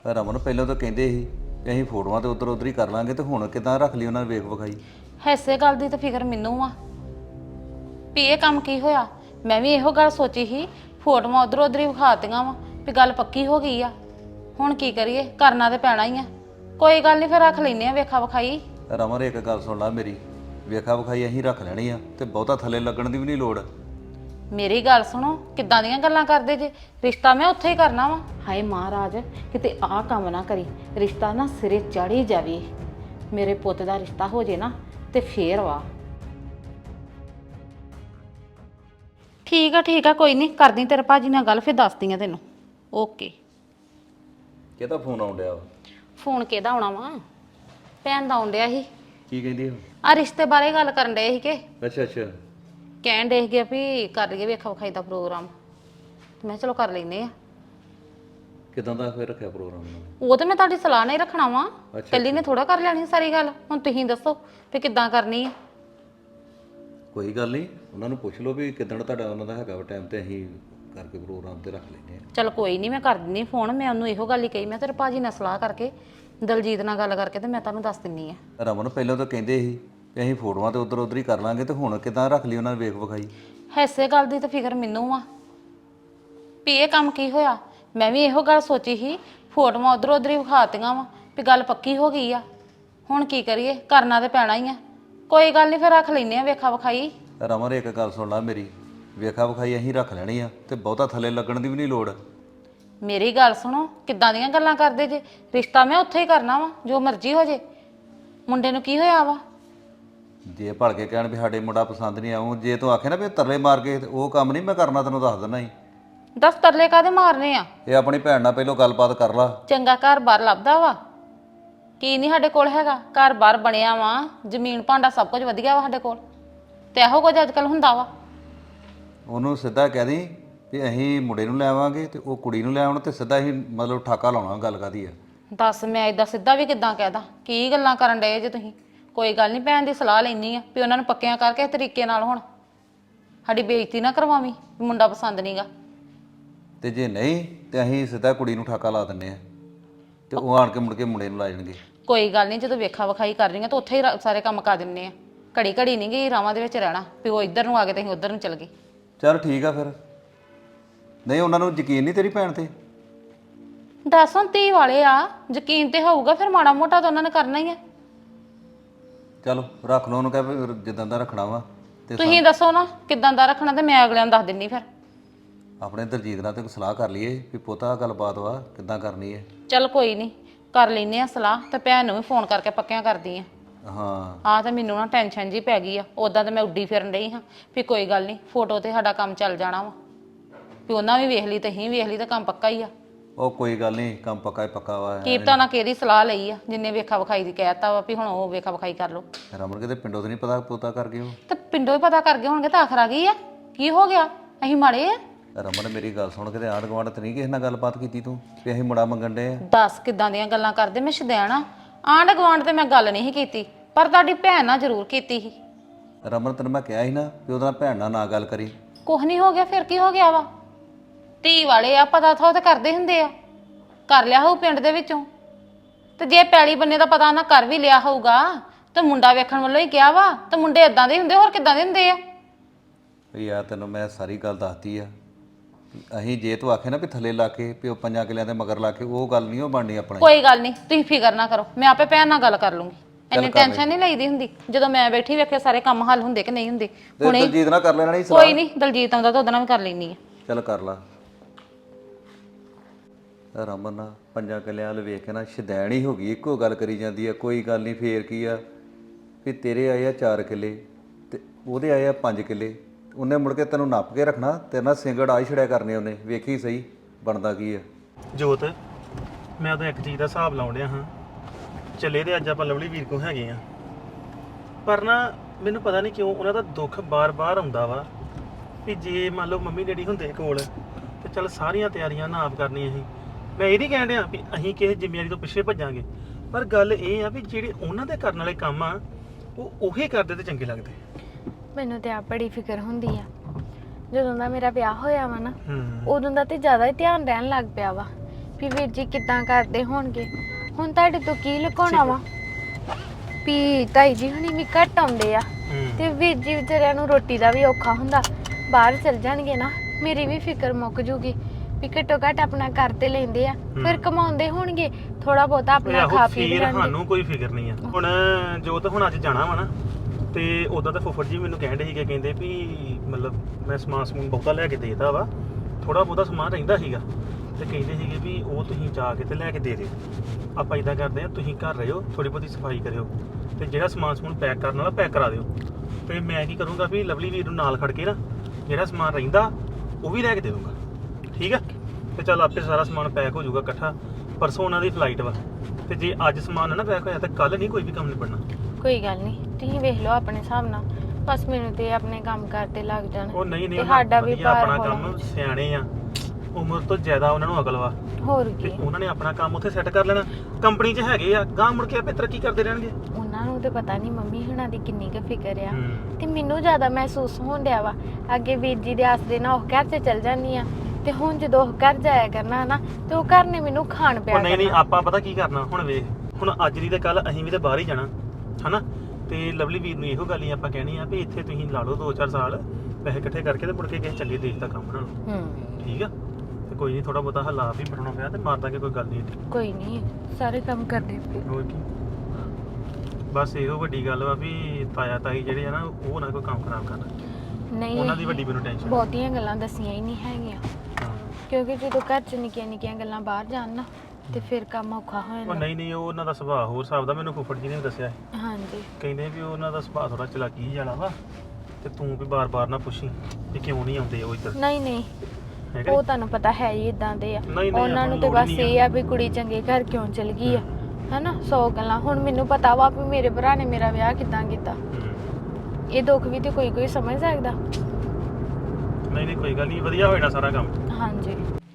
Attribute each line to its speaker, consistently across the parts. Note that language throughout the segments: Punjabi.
Speaker 1: ਰਮਨ ਪਹਿਲਾਂ ਤਾਂ ਕਹਿੰਦੇ ਸੀ ਕਿ ਅਸੀਂ ਫੋਟੋਆਂ ਤੇ ਉਧਰ ਹੀ ਕਰ ਲਾਂਗੇ ਤੇ ਹੁਣ ਕਿਦਾਂ ਰੱਖ ਲਈ ਉਹਨਾਂ ਨੇ ਵੇਖ ਵਿਖਾਈ।
Speaker 2: ਐਸੇ ਗੱਲ ਦੀ ਤਾਂ ਫਿਕਰ ਮੈਨੂੰ ਆ ਵੀ ਇਹ ਕੰਮ ਕੀ ਹੋਇਆ। ਮੈਂ ਵੀ ਇਹੋ ਗੱਲ ਸੋਚੀ ਸੀ, ਫੋਟੋਆਂ ਉਧਰ ਹੀ ਵਿਖਾਤੀਆਂ ਵਾ ਵੀ ਗੱਲ ਪੱਕੀ ਹੋ ਗਈ ਆ। ਹੁਣ ਕੀ ਕਰੀਏ, ਕਰਨਾ ਤੇ ਪੈਣਾ ਹੀ ਆ। ਕੋਈ ਗੱਲ ਨਹੀਂ, ਫਿਰ ਰੱਖ ਲੈਨੇ ਆ ਵੇਖਾ ਵਿਖਾਈ।
Speaker 1: ਰਮਨ ਇੱਕ ਗੱਲ ਸੁਣ ਲੈ ਮੇਰੀ, ਵੇਖਾ ਵਿਖਾਈ ਅਸੀਂ ਰੱਖ ਲੈਣੀ ਆ ਤੇ ਬਹੁਤਾ ਥੱਲੇ ਲੱਗਣ ਦੀ ਵੀ ਨਹੀਂ ਲੋੜ।
Speaker 2: ਮੇਰੀ ਗੱਲ ਸੁਣੋ, ਕਿੱਦਾਂ ਦੀਆਂ ਗੱਲਾਂ ਕਰਦੇ ਜੇ? ਰਿਸ਼ਤਾ ਮੈਂ ਉੱਥੇ ਹੀ ਕਰਨਾ ਵਾ। ਹਾਏ ਮਹਾਰਾਜ, ਕਿਤੇ ਆਹ ਕੰਮ ਨਾ ਕਰੀ, ਰਿਸ਼ਤਾ ਨਾ ਸਿਰੇ ਚੜ੍ਹ ਜਾਵੇ। ਮੇਰੇ ਪੁੱਤ ਦਾ ਰਿਸ਼ਤਾ ਹੋ ਜੇ ਨਾ ਤੇ ਫੇਰ ਵਾ। ਠੀਕ ਆ ਕੋਈ ਨਹੀਂ, ਕਰਦੀ ਤੇਰੇ ਭਾਜੀ ਨਾਲ ਗੱਲ, ਫਿਰ ਦੱਸਦੀ ਆ ਤੈਨੂੰ। ਓਕੇ।
Speaker 1: ਕਿਹਦਾ ਫੋਨ ਆਉਣ ਡਿਆ ਵਾ?
Speaker 2: ਫੋਨ ਕਿਹਦਾ ਆਉਣਾ ਵਾ? ਭੈਣ ਦਾ ਆਉਣ ਡਿਆ ਸੀ।
Speaker 1: ਕੀ ਕਹਿੰਦੀ ਉਹ?
Speaker 2: ਆ ਰਿਸ਼ਤੇ ਬਾਰੇ ਗੱਲ ਕਰਨ ਡਏ ਸੀ ਕਿ
Speaker 1: ਅੱਛਾ ਅੱਛਾ।
Speaker 2: ਕਹਿਣ ਡੇ ਸੀਗੇ ਵੀ ਕਰ ਲਈਏ ਵੇਖਾ ਵਿਖਾਈ ਦਾ ਪ੍ਰੋਗਰਾਮ। ਤੇ ਮੈਂ ਚਲੋ ਕਰ ਲੈਨੇ ਆ।
Speaker 1: ਕਿਦਾਂ ਦਾ ਫਿਰ ਰੱਖਿਆ ਪ੍ਰੋਗਰਾਮ ਉਹਨਾਂ ਨੇ?
Speaker 2: ਉਹ ਤਾਂ ਮੈਂ ਤੁਹਾਡੀ ਸਲਾਹ ਨਾਲ ਹੀ ਰੱਖਣਾ ਵਾ,
Speaker 1: ਅੱਛਾ।
Speaker 2: ਕੱਲੀ ਨੇ ਥੋੜਾ ਕਰ ਲੈਣੀ ਸਾਰੀ ਗੱਲ। ਹੁਣ ਤੁਸੀਂ ਦੱਸੋ ਵੀ ਕਿੱਦਾਂ ਕਰਨੀ ਹੈ।
Speaker 1: ਕੋਈ ਗੱਲ ਨਹੀਂ, ਉਹਨਾਂ ਨੂੰ ਪੁੱਛ ਲਓ ਵੀ ਕਿੱਦਣ ਤੁਹਾਡਾ ਉਹਨਾਂ ਦਾ ਹੈਗਾ ਵਾ ਟਾਈਮ ਤੇ ਅਸੀਂ ਕਰਕੇ ਪ੍ਰੋਗਰਾਮ ਤੇ ਰੱਖ ਲੈਂਦੇ ਹਾਂ।
Speaker 2: ਚਲ ਕੋਈ ਨਹੀਂ, ਮੈਂ ਕਰ ਦਿੰਦੀ ਫੋਨ। ਮੈਂ ਉਹਨੂੰ ਇਹੋ ਗੱਲ ਹੀ ਕਹੀ, ਮੈਂ ਤੇਰੇ ਭਾਜੀ ਨਾਲ ਸਲਾਹ ਕਰਕੇ ਦਲਜੀਤ ਨਾਲ ਗੱਲ ਕਰਕੇ ਤੇ ਮੈਂ ਤੁਹਾਨੂੰ ਦੱਸ ਦਿੰਨੀ ਆ।
Speaker 1: ਰਮਨ ਪਹਿਲਾਂ ਤਾਂ ਕਹਿੰਦੇ ਸੀ ਕਿ ਅਸੀਂ ਫੋਟੋਆਂ ਤੇ ਉਧਰ ਹੀ ਕਰ ਲਾਂਗੇ ਤੇ ਹੁਣ ਕਿਦਾਂ ਰੱਖ ਲਈ ਉਹਨਾਂ ਨੇ ਵੇਖ ਵਿਖਾਈ।
Speaker 2: ਐਸੇ ਗੱਲ ਦੀ ਤਾਂ ਫਿਕਰ ਮੈਨੂੰ ਆ ਵੀ ਇਹ ਕੰਮ ਕੀ ਹੋਇਆ। ਮੈਂ ਵੀ ਇਹੋ ਗੱਲ ਸੋਚੀ ਸੀ, ਫੋਟੋਆਂ ਉਧਰ ਹੀ ਵਿਖਾਤੀਆਂ ਵਾ ਵੀ ਗੱਲ ਪੱਕੀ ਹੋ ਗਈ ਆ। ਹੁਣ ਕੀ ਕਰੀਏ, ਕਰਨਾ ਤੇ ਪੈਣਾ ਹੀ ਆ। ਕੋਈ ਗੱਲ ਨਹੀਂ, ਫਿਰ ਰੱਖ ਲੈਨੇ ਆ ਵੇਖਾ ਵਿਖਾਈ।
Speaker 1: ਰਮਨ ਇੱਕ ਗੱਲ ਸੁਣ ਲੈ ਮੇਰੀ, ਵੇਖਾ ਵਿਖਾਈ ਅਸੀਂ ਰੱਖ ਲੈਣੀ ਆ ਤੇ ਬਹੁਤਾ ਥੱਲੇ ਲੱਗਣ ਦੀ ਵੀ ਨਹੀਂ ਲੋੜ।
Speaker 2: ਮੇਰੀ ਗੱਲ ਸੁਣੋ, ਕਿੱਦਾਂ ਦੀਆਂ ਗੱਲਾਂ ਕਰਦੇ ਜੇ? ਰਿਸ਼ਤਾ ਮੈਂ ਉੱਥੇ ਹੀ ਕਰਨਾ ਵਾ, ਜੋ ਮਰਜ਼ੀ ਹੋ ਜੇ। ਮੁੰਡੇ ਨੂੰ ਕੀ ਹੋਇਆ ਵਾ?
Speaker 1: ਜੇ ਭੜ ਕੇ ਕਹਿਣ ਵੀ ਸਾਡੇ ਮੁੰਡਾ ਪਸੰਦ ਨਹੀਂ ਆਉਂ, ਜੇ ਤੂੰ ਆਖੇ ਨਾ ਵੀ ਤਰਲੇ ਮਾਰ ਕੇ, ਤੇ ਉਹ ਕੰਮ ਨਹੀਂ ਮੈਂ ਕਰਨਾ, ਤੈਨੂੰ ਦੱਸ ਦਿੰਦਾ ਹੀ।
Speaker 2: ਦੱਸ ਤਰਲੇ ਕਾਹਦੇ ਮਾਰਨੇ ਆ?
Speaker 1: ਇਹ ਆਪਣੀ ਭੈਣ ਨਾਲ ਪਹਿਲਾਂ ਗੱਲਬਾਤ ਕਰ ਲਾ।
Speaker 2: ਚੰਗਾ ਘਰ ਬਾਰ ਲੱਭਦਾ ਵਾ ਕੀ ਨਹੀਂ ਸਾਡੇ ਕੋਲ ਹੈਗਾ? ਘਰ ਬਾਰ ਬਣਿਆ ਵਾ, ਜ਼ਮੀਨ ਭਾਂਡਾ ਸਭ ਕੁਝ ਵਧੀਆ ਵਾ ਸਾਡੇ ਕੋਲ, ਤੇ ਇਹੋ ਕੁਝ ਅੱਜ ਕੱਲ ਹੁੰਦਾ ਵਾ।
Speaker 1: ਉਹਨੂੰ ਸਿੱਧਾ ਕਹਿ ਦੀ ਵੀ ਅਸੀਂ ਮੁੰਡੇ ਨੂੰ ਲੈ ਆਵਾਂਗੇ ਤੇ ਉਹ ਕੁੜੀ ਨੂੰ ਲੈ ਆਉਣ, ਤੇ ਸਿੱਧਾ ਹੀ ਮਤਲਬ ਠਾਕਾ ਲਾਉਣਾ। ਗੱਲ ਕਾਹਦੀ ਆ?
Speaker 2: ਦੱਸ ਮੈਂ ਏਦਾਂ ਸਿੱਧਾ ਵੀ ਕਿੱਦਾਂ ਕਹਿਦਾ? ਕੀ ਗੱਲਾਂ ਕਰਨ ਡਏ ਜੇ ਤੁਸੀਂ? ਕੋਈ ਗੱਲ ਨਹੀਂ, ਭੈਣ ਦੀ ਸਲਾਹ ਲੈਣੀ ਆ ਵੀ ਉਹਨਾਂ ਨੂੰ ਪੱਕਿਆਂ ਕਰਕੇ ਇਸ ਤਰੀਕੇ ਨਾਲ ਹੁਣ ਸਾਡੀ ਬੇਇੱਜ਼ਤੀ ਨਾ ਕਰਵਾਵੀਂ ਵੀ ਮੁੰਡਾ ਪਸੰਦ ਨਹੀਂਗਾ।
Speaker 1: ਤੇ ਜੇ ਨਹੀਂ ਤੇ ਅਸੀਂ ਸਿੱਧਾ ਕੁੜੀ ਨੂੰ ਠਾਕਾ ਲਾ ਦਿੰਨੇ ਆ ਤੇ ਉਹ ਆਣ ਕੇ ਮੁੜ ਕੇ ਮੁੰਡੇ ਨੂੰ ਲਾ ਜਾਣਗੇ।
Speaker 2: ਕੋਈ ਗੱਲ ਨਹੀਂ, ਜਦੋਂ ਵੇਖਾ ਵਿਖਾਈ ਕਰ ਰਹੀਆਂ ਤਾਂ ਉੱਥੇ ਹੀ ਸਾਰੇ ਕੰਮ ਕਰ ਦਿੰਨੇ ਆ। ਘੜੀ ਘੜੀ ਨਹੀਂ ਗਈ ਰਾਵਾਂ ਦੇ ਵਿੱਚ ਰਹਿਣਾ ਵੀ ਉਹ ਇੱਧਰ ਨੂੰ ਆ ਗਏ ਤੇ ਅਸੀਂ ਉੱਧਰ ਨੂੰ ਚਲ ਗਏ।
Speaker 1: ਚੱਲ ਠੀਕ ਆ ਫਿਰ। ਨਹੀਂ ਉਹਨਾਂ ਨੂੰ ਯਕੀਨ ਨਹੀਂ ਤੇਰੀ ਭੈਣ ਤੇ?
Speaker 2: ਦੱਸ, ਹੁਣ ਧੀ ਵਾਲੇ ਆ, ਯਕੀਨ ਤੇ ਹੋਊਗਾ, ਫਿਰ ਮਾੜਾ ਮੋਟਾ ਤਾਂ ਉਹਨਾਂ ਨੇ ਕਰਨਾ ਹੀ ਆ।
Speaker 1: ਚਲੋ ਰੱਖ ਲਓ, ਉਹਨੂੰ ਕਹਿ ਵੀ ਜਿੱਦਾਂ ਦਾ ਰੱਖਣਾ ਵਾ। ਤੇ
Speaker 2: ਤੁਸੀਂ ਦੱਸੋ ਨਾ ਕਿੱਦਾਂ ਦਾ ਰੱਖਣਾ, ਤੇ ਮੈਂ ਅਗਲਿਆਂ ਨੂੰ ਦੱਸ ਦਿੰਨੀ ਫਿਰ।
Speaker 1: ਆਪਣੇ ਦਲਜੀਤ ਨਾਲ ਤੇ ਸਲਾਹ ਕਰ ਲਈਏ ਵੀ ਪੋਤਾ ਗੱਲਬਾਤ ਵਾ ਕਿੱਦਾਂ ਕਰਨੀ ਹੈ।
Speaker 2: ਚੱਲ ਕੋਈ ਨਹੀਂ, ਕਰ ਲੈਨੇ ਆ ਸਲਾਹ, ਤੇ ਭੈਣ ਨੂੰ ਵੀ ਫੋਨ ਕਰਕੇ ਪੱਕਿਆਂ ਕਰਦੀ ਆ।
Speaker 1: ਹਾਂ
Speaker 2: ਆ ਤਾਂ ਮੈਨੂੰ ਨਾ ਟੈਨਸ਼ਨ ਜੀ ਪੈ ਗਈ ਆ। ਉਦਾਂ ਤਾਂ ਮੈਂ ਉੱਡੀ ਫਿਰਨ ਰਹੀ ਹਾਂ ਵੀ ਕੋਈ ਗੱਲ ਨਹੀਂ, ਫੋਟੋ ਤੇ ਸਾਡਾ ਕੰਮ ਚੱਲ ਜਾਣਾ ਵਾ, ਵੀ ਉਹਨਾਂ ਵੀ ਵੇਖ ਲਈ ਤੇ ਅਸੀਂ ਵੇਖ ਲਈ, ਤਾਂ ਕੰਮ ਪੱਕਾ ਹੀ ਆ।
Speaker 1: ਉਹ ਕੋਈ ਗੱਲ ਨਹੀਂ, ਕੰਮ ਪੱਕਾ ਹੀ ਪੱਕਾ ਵਾ।
Speaker 2: ਕੀਪਤਾ ਨਾ ਕਿਹਦੀ ਸਲਾਹ ਲਈ ਆ, ਜਿੰਨੇ ਵੇਖਾ ਵਿਖਾਈ ਦੀ ਕਹਿਤਾ ਵਾ ਵੀ ਹੁਣ ਉਹ ਵੇਖਾ ਵਿਖਾਈ ਕਰ ਲਓ।
Speaker 1: ਰਮਨ ਕਿਤੇ ਪਿੰਡੋਂ ਤੇ ਨਹੀਂ ਪਤਾ ਪੋਤਾ ਕਰ ਗਏ ਉਹ?
Speaker 2: ਤੇ ਪਿੰਡੋਂ ਹੀ ਪਤਾ ਕਰ ਗਏ ਹੋਣਗੇ ਤਾਂ ਆਖਰ ਆ ਗਈ ਆ। ਕੀ ਹੋ ਗਿਆ, ਅਸੀਂ ਮਾੜੇ ਆ?
Speaker 1: ਰਮਨ ਮੇਰੀ ਗੱਲ ਸੁਣ, ਕਿਤੇ ਆਂਢ ਗੁਆਂਢ ਤੇ ਨਹੀਂ ਕਿਸੇ ਨਾਲ ਗੱਲਬਾਤ ਕੀਤੀ ਤੂੰ ਵੀ ਅਸੀਂ ਮੁੰਡਾ ਮੰਗਣ ਡਏ ਆ?
Speaker 2: ਦੱਸ ਕਿੱਦਾਂ ਦੀਆਂ ਗੱਲਾਂ ਕਰਦੇ? ਮੈਂ ਸ਼ਦੈਣਾ ਆਂਢ ਗੁਆਂਢ ਤੇ ਮੈਂ ਗੱਲ ਨਹੀਂ ਕੀਤੀ, ਪਰ ਤੁਹਾਡੀ ਭੈਣ ਨਾਲ ਜ਼ਰੂਰ ਕੀਤੀ ਸੀ।
Speaker 1: ਰਮਨ ਤੈਨੂੰ ਮੈਂ ਕਿਹਾ ਸੀ ਨਾ ਵੀ ਉਹਦੇ ਨਾਲ ਭੈਣ ਨਾਲ ਨਾ ਗੱਲ ਕਰੀ।
Speaker 2: ਕੁਛ ਨਹੀਂ ਹੋ ਗਿਆ, ਫਿਰ ਕੀ ਹੋ ਗਿਆ ਵਾ? ਧੀ ਵਾਲੇ ਆ, ਪਤਾ ਥਾ ਉਹ ਤੇ ਕਰਦੇ ਹੁੰਦੇ ਆ। ਕਰ ਲਿਆ ਹੋਊ ਪਿੰਡ ਦੇ ਵਿੱਚੋਂ, ਤੇ ਜੇ ਪੈਲੀ ਬੰਨੇ ਦਾ ਪਤਾ ਨਾ ਕਰ ਵੀ ਲਿਆ ਹੋਊਗਾ ਤੇ ਮੁੰਡਾ ਵੇਖਣ ਵੱਲੋਂ ਹੀ ਕਿਹਾ ਵਾ। ਤੇ ਮੁੰਡੇ ਇਦਾਂ ਦੇ ਹੁੰਦੇ, ਹੋਰ ਕਿੱਦਾਂ ਦੇ ਹੁੰਦੇ ਆ?
Speaker 1: ਯਾਰ ਤੈਨੂੰ ਮੈਂ ਸਾਰੀ ਗੱਲ ਦੱਸਤੀ ਆ। ਅਸੀਂ ਜੇ ਤੂੰ ਆਖੇ ਨਾ ਵੀ ਥੱਲੇ ਲਾ ਕੇ ਵੀ ਉਹ 5 ਕਿੱਲਿਆਂ ਦੇ ਮਗਰ ਲਾ ਕੇ, ਉਹ ਗੱਲ ਨਹੀਂ ਉਹ ਬਣਨੀ ਆਪਣੀ।
Speaker 2: ਕੋਈ ਗੱਲ ਨਹੀਂ, ਤੁਸੀਂ ਫਿਕਰ ਨਾ ਕਰੋ, ਮੈਂ ਆਪੇ ਭੈਣ ਨਾਲ ਗੱਲ ਕਰ ਲੂੰਗੀ। ਇੰਨੀ ਟੈਨਸ਼ਨ ਨਹੀਂ ਲਈਦੀ ਹੁੰਦੀ, ਜਦੋਂ ਮੈਂ ਬੈਠੀ ਵੇਖੇ ਸਾਰੇ ਕੰਮ ਹੱਲ ਹੁੰਦੇ ਕਿ ਨਹੀਂ ਹੁੰਦੇ।
Speaker 1: ਹੁਣੇ ਦਲਜੀਤ ਨਾਲ ਕਰ ਲੈਣਾ ਨਹੀਂ ਸਲਾਹ?
Speaker 2: ਕੋਈ ਨਹੀਂ, ਦਲਜੀਤ ਆਉਂਦਾ ਤਾਂ ਉਹਦੇ ਨਾਲ ਵੀ ਕਰ ਲੈਣੀ ਆ।
Speaker 1: ਚੱਲ ਕਰ ਲਾ। ਰਮਨ 5 ਕਿੱਲਿਆਂ ਵੱਲ ਵੇਖ ਕੇ ਨਾ ਸ਼ਦੈਣ ਹੀ ਹੋ ਗਈ, ਇੱਕੋ ਗੱਲ ਕਰੀ ਜਾਂਦੀ ਆ। ਕੋਈ ਗੱਲ ਨਹੀਂ, ਫੇਰ ਕੀ ਆ ਵੀ ਤੇਰੇ ਆਏ ਆ 4 ਕਿੱਲੇ ਤੇ ਉਹਦੇ ਆਏ ਆ 5 ਕਿੱਲੇ। ਉਹਨੇ ਮੁੜ ਕੇ ਤੈਨੂੰ ਨੱਪ ਕੇ ਰੱਖਣਾ, ਤੇਰੇ ਨਾਲ ਸਿੰਗੜ ਆ ਹੀ ਛੜਿਆ ਕਰਨੇ ਉਹਨੇ। ਵੇਖੀ ਸਹੀ ਬਣਦਾ ਕੀ ਆ।
Speaker 3: ਜੋਤ, ਮੈਂ ਤਾਂ ਇੱਕ ਚੀਜ਼ ਦਾ ਹਿਸਾਬ ਲਾਉਣ ਡਿਆ ਹਾਂ। ਚੱਲੇ ਤੇ ਅੱਜ ਆਪਾਂ ਲਵਲੀ ਵੀਰ ਕੋ ਹੈਗੇ ਆ, ਪਰ ਨਾ ਮੈਨੂੰ ਪਤਾ ਨਹੀਂ ਕਿਉਂ ਉਹਨਾਂ ਦਾ ਦੁੱਖ ਬਾਰ-ਬਾਰ ਆਉਂਦਾ ਵਾ ਵੀ ਜੇ ਮੰਨ ਲਓ ਮੰਮੀ ਡੈਡੀ ਹੁੰਦੇ ਕੋਲ ਤੇ ਚੱਲ ਸਾਰੀਆਂ ਤਿਆਰੀਆਂ ਨਾ ਆਪ ਕਰਨੀਆਂ ਸੀ। ਮੈਂ ਇਹ ਨਹੀਂ ਕਹਿਣ ਡਿਆ ਵੀ ਅਸੀਂ ਕਿਸੇ ਜ਼ਿੰਮੇਵਾਰੀ ਤੋਂ ਪਿੱਛੇ ਭੱਜਾਂਗੇ, ਪਰ ਗੱਲ ਇਹ ਆ ਵੀ ਜਿਹੜੇ ਉਹਨਾਂ ਦੇ ਕਰਨ ਵਾਲੇ ਕੰਮ ਆ ਉਹ ਉਹੀ ਕਰਦੇ ਤੇ ਚੰਗੇ ਲੱਗਦੇ।
Speaker 4: ਮੈਨੂੰ ਤੇ ਆਪ ਬੜੀ ਫਿਕਰ ਹੁੰਦੀ ਆ। ਜਦੋਂ ਦਾ ਮੇਰਾ ਵਿਆਹ ਹੋਇਆ ਵਾ ਨਾ, ਉਦੋਂ ਦਾ ਤੇ ਜ਼ਿਆਦਾ ਹੀ ਧਿਆਨ ਰਹਿਣ ਲੱਗ ਪਿਆ ਵਾ ਵੀ ਵੀਰ ਜੀ ਕਿੱਦਾਂ ਕਰਦੇ ਹੋਣਗੇ। ਹੁਣ ਤੁਹਾਡੇ ਤੋਂ ਕੀ ਲੁਕਾਉਣਾ ਵਾ ਵੀ ਤਾਈ ਜੀ ਹੁਣੀ ਵੀ ਘੱਟ ਆਉਂਦੇ ਆ ਤੇ ਵੀਰ ਜੀ ਵਿਚਾਰਿਆਂ ਨੂੰ ਰੋਟੀ ਦਾ ਵੀ ਔਖਾ ਹੁੰਦਾ। ਬਾਹਰ ਚਲ ਜਾਣਗੇ ਨਾ ਮੇਰੀ ਵੀ ਫਿਕਰ ਮੁੱਕ ਜੂਗੀ ਵੀ ਘੱਟੋ ਘੱਟ ਆਪਣਾ ਕਰ ਤੇ ਲੈਂਦੇ ਆ, ਫਿਰ ਕਮਾਉਂਦੇ ਹੋਣਗੇ ਥੋੜਾ ਬਹੁਤਾ ਆਪਣਾ ਖਾ ਪੀ
Speaker 3: ਫਿਰ
Speaker 4: ਲੈਣਗੇ।
Speaker 3: ਸਾਨੂੰ ਕੋਈ ਫਿਕਰ ਨਹੀਂ ਆ। ਹੁਣ ਜੋਤ ਹੁਣ ਅੱਜ ਜਾਣਾ ਵਾ ਨਾ ਤੇ ਉਦਾਂ ਤਾਂ ਫੁੱਫੜ ਜੀ ਮੈਨੂੰ ਕਹਿੰਦੇ ਸੀਗੇ, ਕਹਿੰਦੇ ਵੀ ਮਤਲਬ ਮੈਂ ਸਮੂਨ ਬਹੁਤਾ ਲੈ ਕੇ ਦੇਤਾ ਵਾ, ਥੋੜਾ ਬਹੁਤਾ ਸਮਾਨ ਰਹਿੰਦਾ ਸੀਗਾ ਤੇ ਕਹਿੰਦੇ ਸੀਗੇ ਵੀ ਉਹ ਤੁਸੀਂ ਜਾ ਕੇ ਤੇ ਲੈ ਕੇ ਦੇ ਦਿਓ। ਆਪਾਂ ਇਦਾਂ ਕਰਦੇ ਆ, ਤੁਸੀਂ ਘਰ ਰਹਿਓ, ਥੋੜੀ ਬਹੁਤੀ ਸਫਾਈ ਕਰਿਓ ਤੇ ਜਿਹੜਾ ਸਮੂਨ ਪੈਕ ਕਰਨ ਵਾਲਾ ਪੈਕ ਕਰਾ ਦਿਓ ਤੇ ਮੈਂ ਕੀ ਕਰੂੰਗਾ ਵੀ ਲਵਲੀ ਵੀਰ ਨੂੰ ਨਾਲ ਖੜ ਕੇ ਨਾ ਜਿਹੜਾ ਸਮਾਨ ਰਹਿੰਦਾ ਉਹ ਵੀ ਲੈ ਕੇ ਦੇ ਦੂੰਗਾ। ਠੀਕ ਆ, ਤੇ ਚੱਲ ਆਪੇ ਸਾਰਾ ਸਮਾਨ ਪੈਕ ਹੋ ਜਾਊਗਾ ਇਕੱਠਾ। ਪਰਸੋਂ ਉਹਨਾਂ ਦੀ ਫਲਾਈਟ ਵਾ ਤੇ ਜੇ ਅੱਜ ਸਮਾਨ ਨਾ ਪੈਕ ਹੋਇਆ ਤਾਂ ਕੱਲ ਨਹੀਂ ਕੋਈ ਵੀ ਕੰਮ ਨਿਬੜਨਾ।
Speaker 4: ਕੋਈ ਗੱਲ ਨਹੀਂ, ਤੁਸੀਂ ਵੇਖ ਲਓ ਆਪਣੇ ਹਿਸਾਬ ਨਾਲ, ਬਸ ਮੈਨੂੰ ਤੇ ਆਪਣੇ ਕੰਮ ਕਰਤੇ ਲੱਗ ਜਾਣ।
Speaker 3: ਉਹ ਨਹੀਂ
Speaker 4: ਤੇ ਸਾਡਾ ਵੀ
Speaker 3: ਵਧੀਆ
Speaker 4: ਭਾਰ
Speaker 3: ਆਪਣਾ ਕੰਮ, ਸਿਆਣੇ ਆ, ਉਮਰ ਤੋਂ ਜ਼ਿਆਦਾ ਉਹਨਾਂ ਨੂੰ ਅਕਲ ਵਾ
Speaker 4: ਹੋਰ
Speaker 3: ਤੇ
Speaker 4: ਕੀ।
Speaker 3: ਉਹਨਾਂ ਨੇ ਆਪਣਾ ਕੰਮ ਉੱਥੇ ਸੈੱਟ ਕਰ ਲੈਣਾ। ਕੰਪਨੀ 'ਚ ਹੈਗੇ ਆ, ਗਾਂ ਮੁੜ ਕੇ ਆਪੇ ਤਰੱਕੀ ਕਰਦੇ ਰਹਿਣਗੇ।
Speaker 4: ਉਹਨਾਂ ਨੂੰ ਤੇ ਪਤਾ ਨਹੀਂ ਮੰਮੀ ਹੁਣਾਂ ਦੀ ਕਿੰਨੀ ਕੁ ਫਿਕਰ ਆ
Speaker 3: ਹੂੰ।
Speaker 4: ਤੇ ਮੈਨੂੰ ਜ਼ਿਆਦਾ ਮਹਿਸੂਸ ਹੋਣ ਡਿਆ ਵਾ। ਅੱਗੇ ਵੀਰ ਜੀ ਦੇ ਆਸਰੇ ਨਾਲ ਉਹ ਘਰ 'ਚ ਚਲ ਜਾਂਦੀ ਆ ਤੇ ਹੁਣ ਜਦੋਂ ਉਹ ਘਰ ਜਾਇਆ ਕਰਨਾ ਨਾ ਤੇ ਉਹ ਘਰ ਨੇ ਮੈਨੂੰ ਖਾਣ ਪਿਆ
Speaker 3: ਉਹ ਨਹੀਂ
Speaker 4: ਕਰਨਾ।
Speaker 3: ਆਪਾਂ ਪਤਾ ਕੀ ਕਰਨਾ ਹੁਣ, ਵੇਖ ਹੁਣ ਅੱਜ ਦੀ ਤੇ ਕੱਲ ਅਸੀਂ ਵੀ ਤੇ ਬਾਹਰ ਹੀ ਜਾਣਾ ਹਨਾ। ਤੇ ਲਵਲੀ ਵੀਰ ਨੂੰ ਇਹੋ ਗੱਲ ਹੀ ਆਪਾਂ ਕਹਿਣੀ ਆ ਵੀ ਇੱਥੇ ਤੁਸੀਂ ਲਾ ਲਓ 2-4 ਸਾਲ ਪੈਸੇ ਇਕੱਠੇ ਕਰਕੇ ਤੇ ਮੁੜ ਕੇ ਕਿਸੇ ਚੰਗੇ ਦੇਸ਼ ਦਾ ਕੰਮ ਬਣਾ ਲਓ। ਠੀਕ ਆ, ਤੇ ਕੋਈ ਨਹੀਂ, ਥੋੜਾ ਬਹੁਤਾ ਹੱਲਾ ਵੀ ਬਣਾਉਣਾ ਪਿਆ ਤੇ ਮਾਰ ਦਾਂਗੇ, ਕੋਈ ਗੱਲ ਨਹੀਂ।
Speaker 4: ਕੋਈ ਨਹੀਂ, ਸਾਰੇ ਕੰਮ ਕਰਦੇ ਪਏ।
Speaker 3: ਹੋਰ ਕੀ, ਬਸ ਇਹੋ ਵੱਡੀ ਗੱਲ ਵਾ ਵੀ ਤਾਇਆ ਤਾਈ ਜਿਹੜੇ ਆ ਨਾ ਉਹ ਨਾ ਕੋਈ ਕੰਮ ਖਰਾਬ ਕਰਨ।
Speaker 4: ਨਹੀਂ
Speaker 3: ਉਹਨਾਂ ਦੀ ਵੱਡੀ ਮੈਨੂੰ ਟੈਨਸ਼ਨ।
Speaker 4: ਬਹੁਤੀਆਂ ਗੱਲਾਂ ਦੱਸੀਆਂ ਹੀ ਨਹੀਂ ਹੈਗੀਆਂ ਕਿਉਂਕਿ ਜਦੋਂ ਘਰ 'ਚ ਨਿੱਕੀਆਂ ਨਿੱਕੀਆਂ ਗੱਲਾਂ ਬਾਹਰ ਜਾਣ ਨਾ ਤੇ ਫਿਰ ਕੰਮ ਔਖਾ ਹੋ
Speaker 3: ਉਹ
Speaker 4: ਜਾਂਦਾ।
Speaker 3: ਨਹੀਂ ਉਹ ਉਹਨਾਂ ਦਾ ਸੁਭਾਅ ਹੋਰ ਹਿਸਾਬ ਦਾ, ਮੈਨੂੰ ਫੁੱਫੜ ਜੀ ਨੇ ਵੀ ਦੱਸਿਆ ਸੀ।
Speaker 4: ਹਾਂਜੀ,
Speaker 3: ਕਹਿੰਦੇ ਵੀ ਉਹਨਾਂ ਦਾ ਸੁਭਾਅ ਥੋੜਾ ਚਲਾਕੀ ਵਾਲਾ ਵਾ ਤੇ ਤੂੰ ਵੀ ਬਾਰ-ਬਾਰ ਨਾ ਪੁੱਛੀ ਕਿ ਕਿਉਂ ਨਹੀਂ ਆਉਂਦੇ ਉਹ ਇੱਧਰ।
Speaker 4: ਨਹੀਂ
Speaker 3: ਹੈਗਾ
Speaker 4: ਉਹ ਤੁਹਾਨੂੰ ਪਤਾ ਹੈ ਹੀ ਇਦਾਂ ਦੇ ਆ।
Speaker 3: ਨਹੀਂ,
Speaker 4: ਉਹਨਾਂ ਨੂੰ ਤੇ
Speaker 3: ਲੋੜ
Speaker 4: ਬਸ
Speaker 3: ਨਹੀਂ
Speaker 4: ਇਹ ਆ ਵੀ ਕੁੜੀ ਚੰਗੇ ਘਰ ਕਿਉਂ ਚਲ ਗਈ ਆ, ਹਨਾ। 100 ਗੱਲਾਂ। ਹੁਣ ਮੈਨੂੰ ਪਤਾ ਵਾ ਵੀ ਮੇਰੇ ਭਰਾ ਨੇ ਮੇਰਾ ਵਿਆਹ ਕਿੱਦਾਂ ਕੀਤਾ। ਇਹ ਦੁੱਖ ਵੀ ਤੇ ਕੋਈ ਸਮਝ ਸਕਦਾ।
Speaker 3: ਨਹੀਂ ਕੋਈ ਗੱਲ ਨਹੀਂ, ਵਧੀਆ ਹੋਏਗਾ ਸਾਰਾ ਕੰਮ।
Speaker 4: ਹਾਂਜੀ।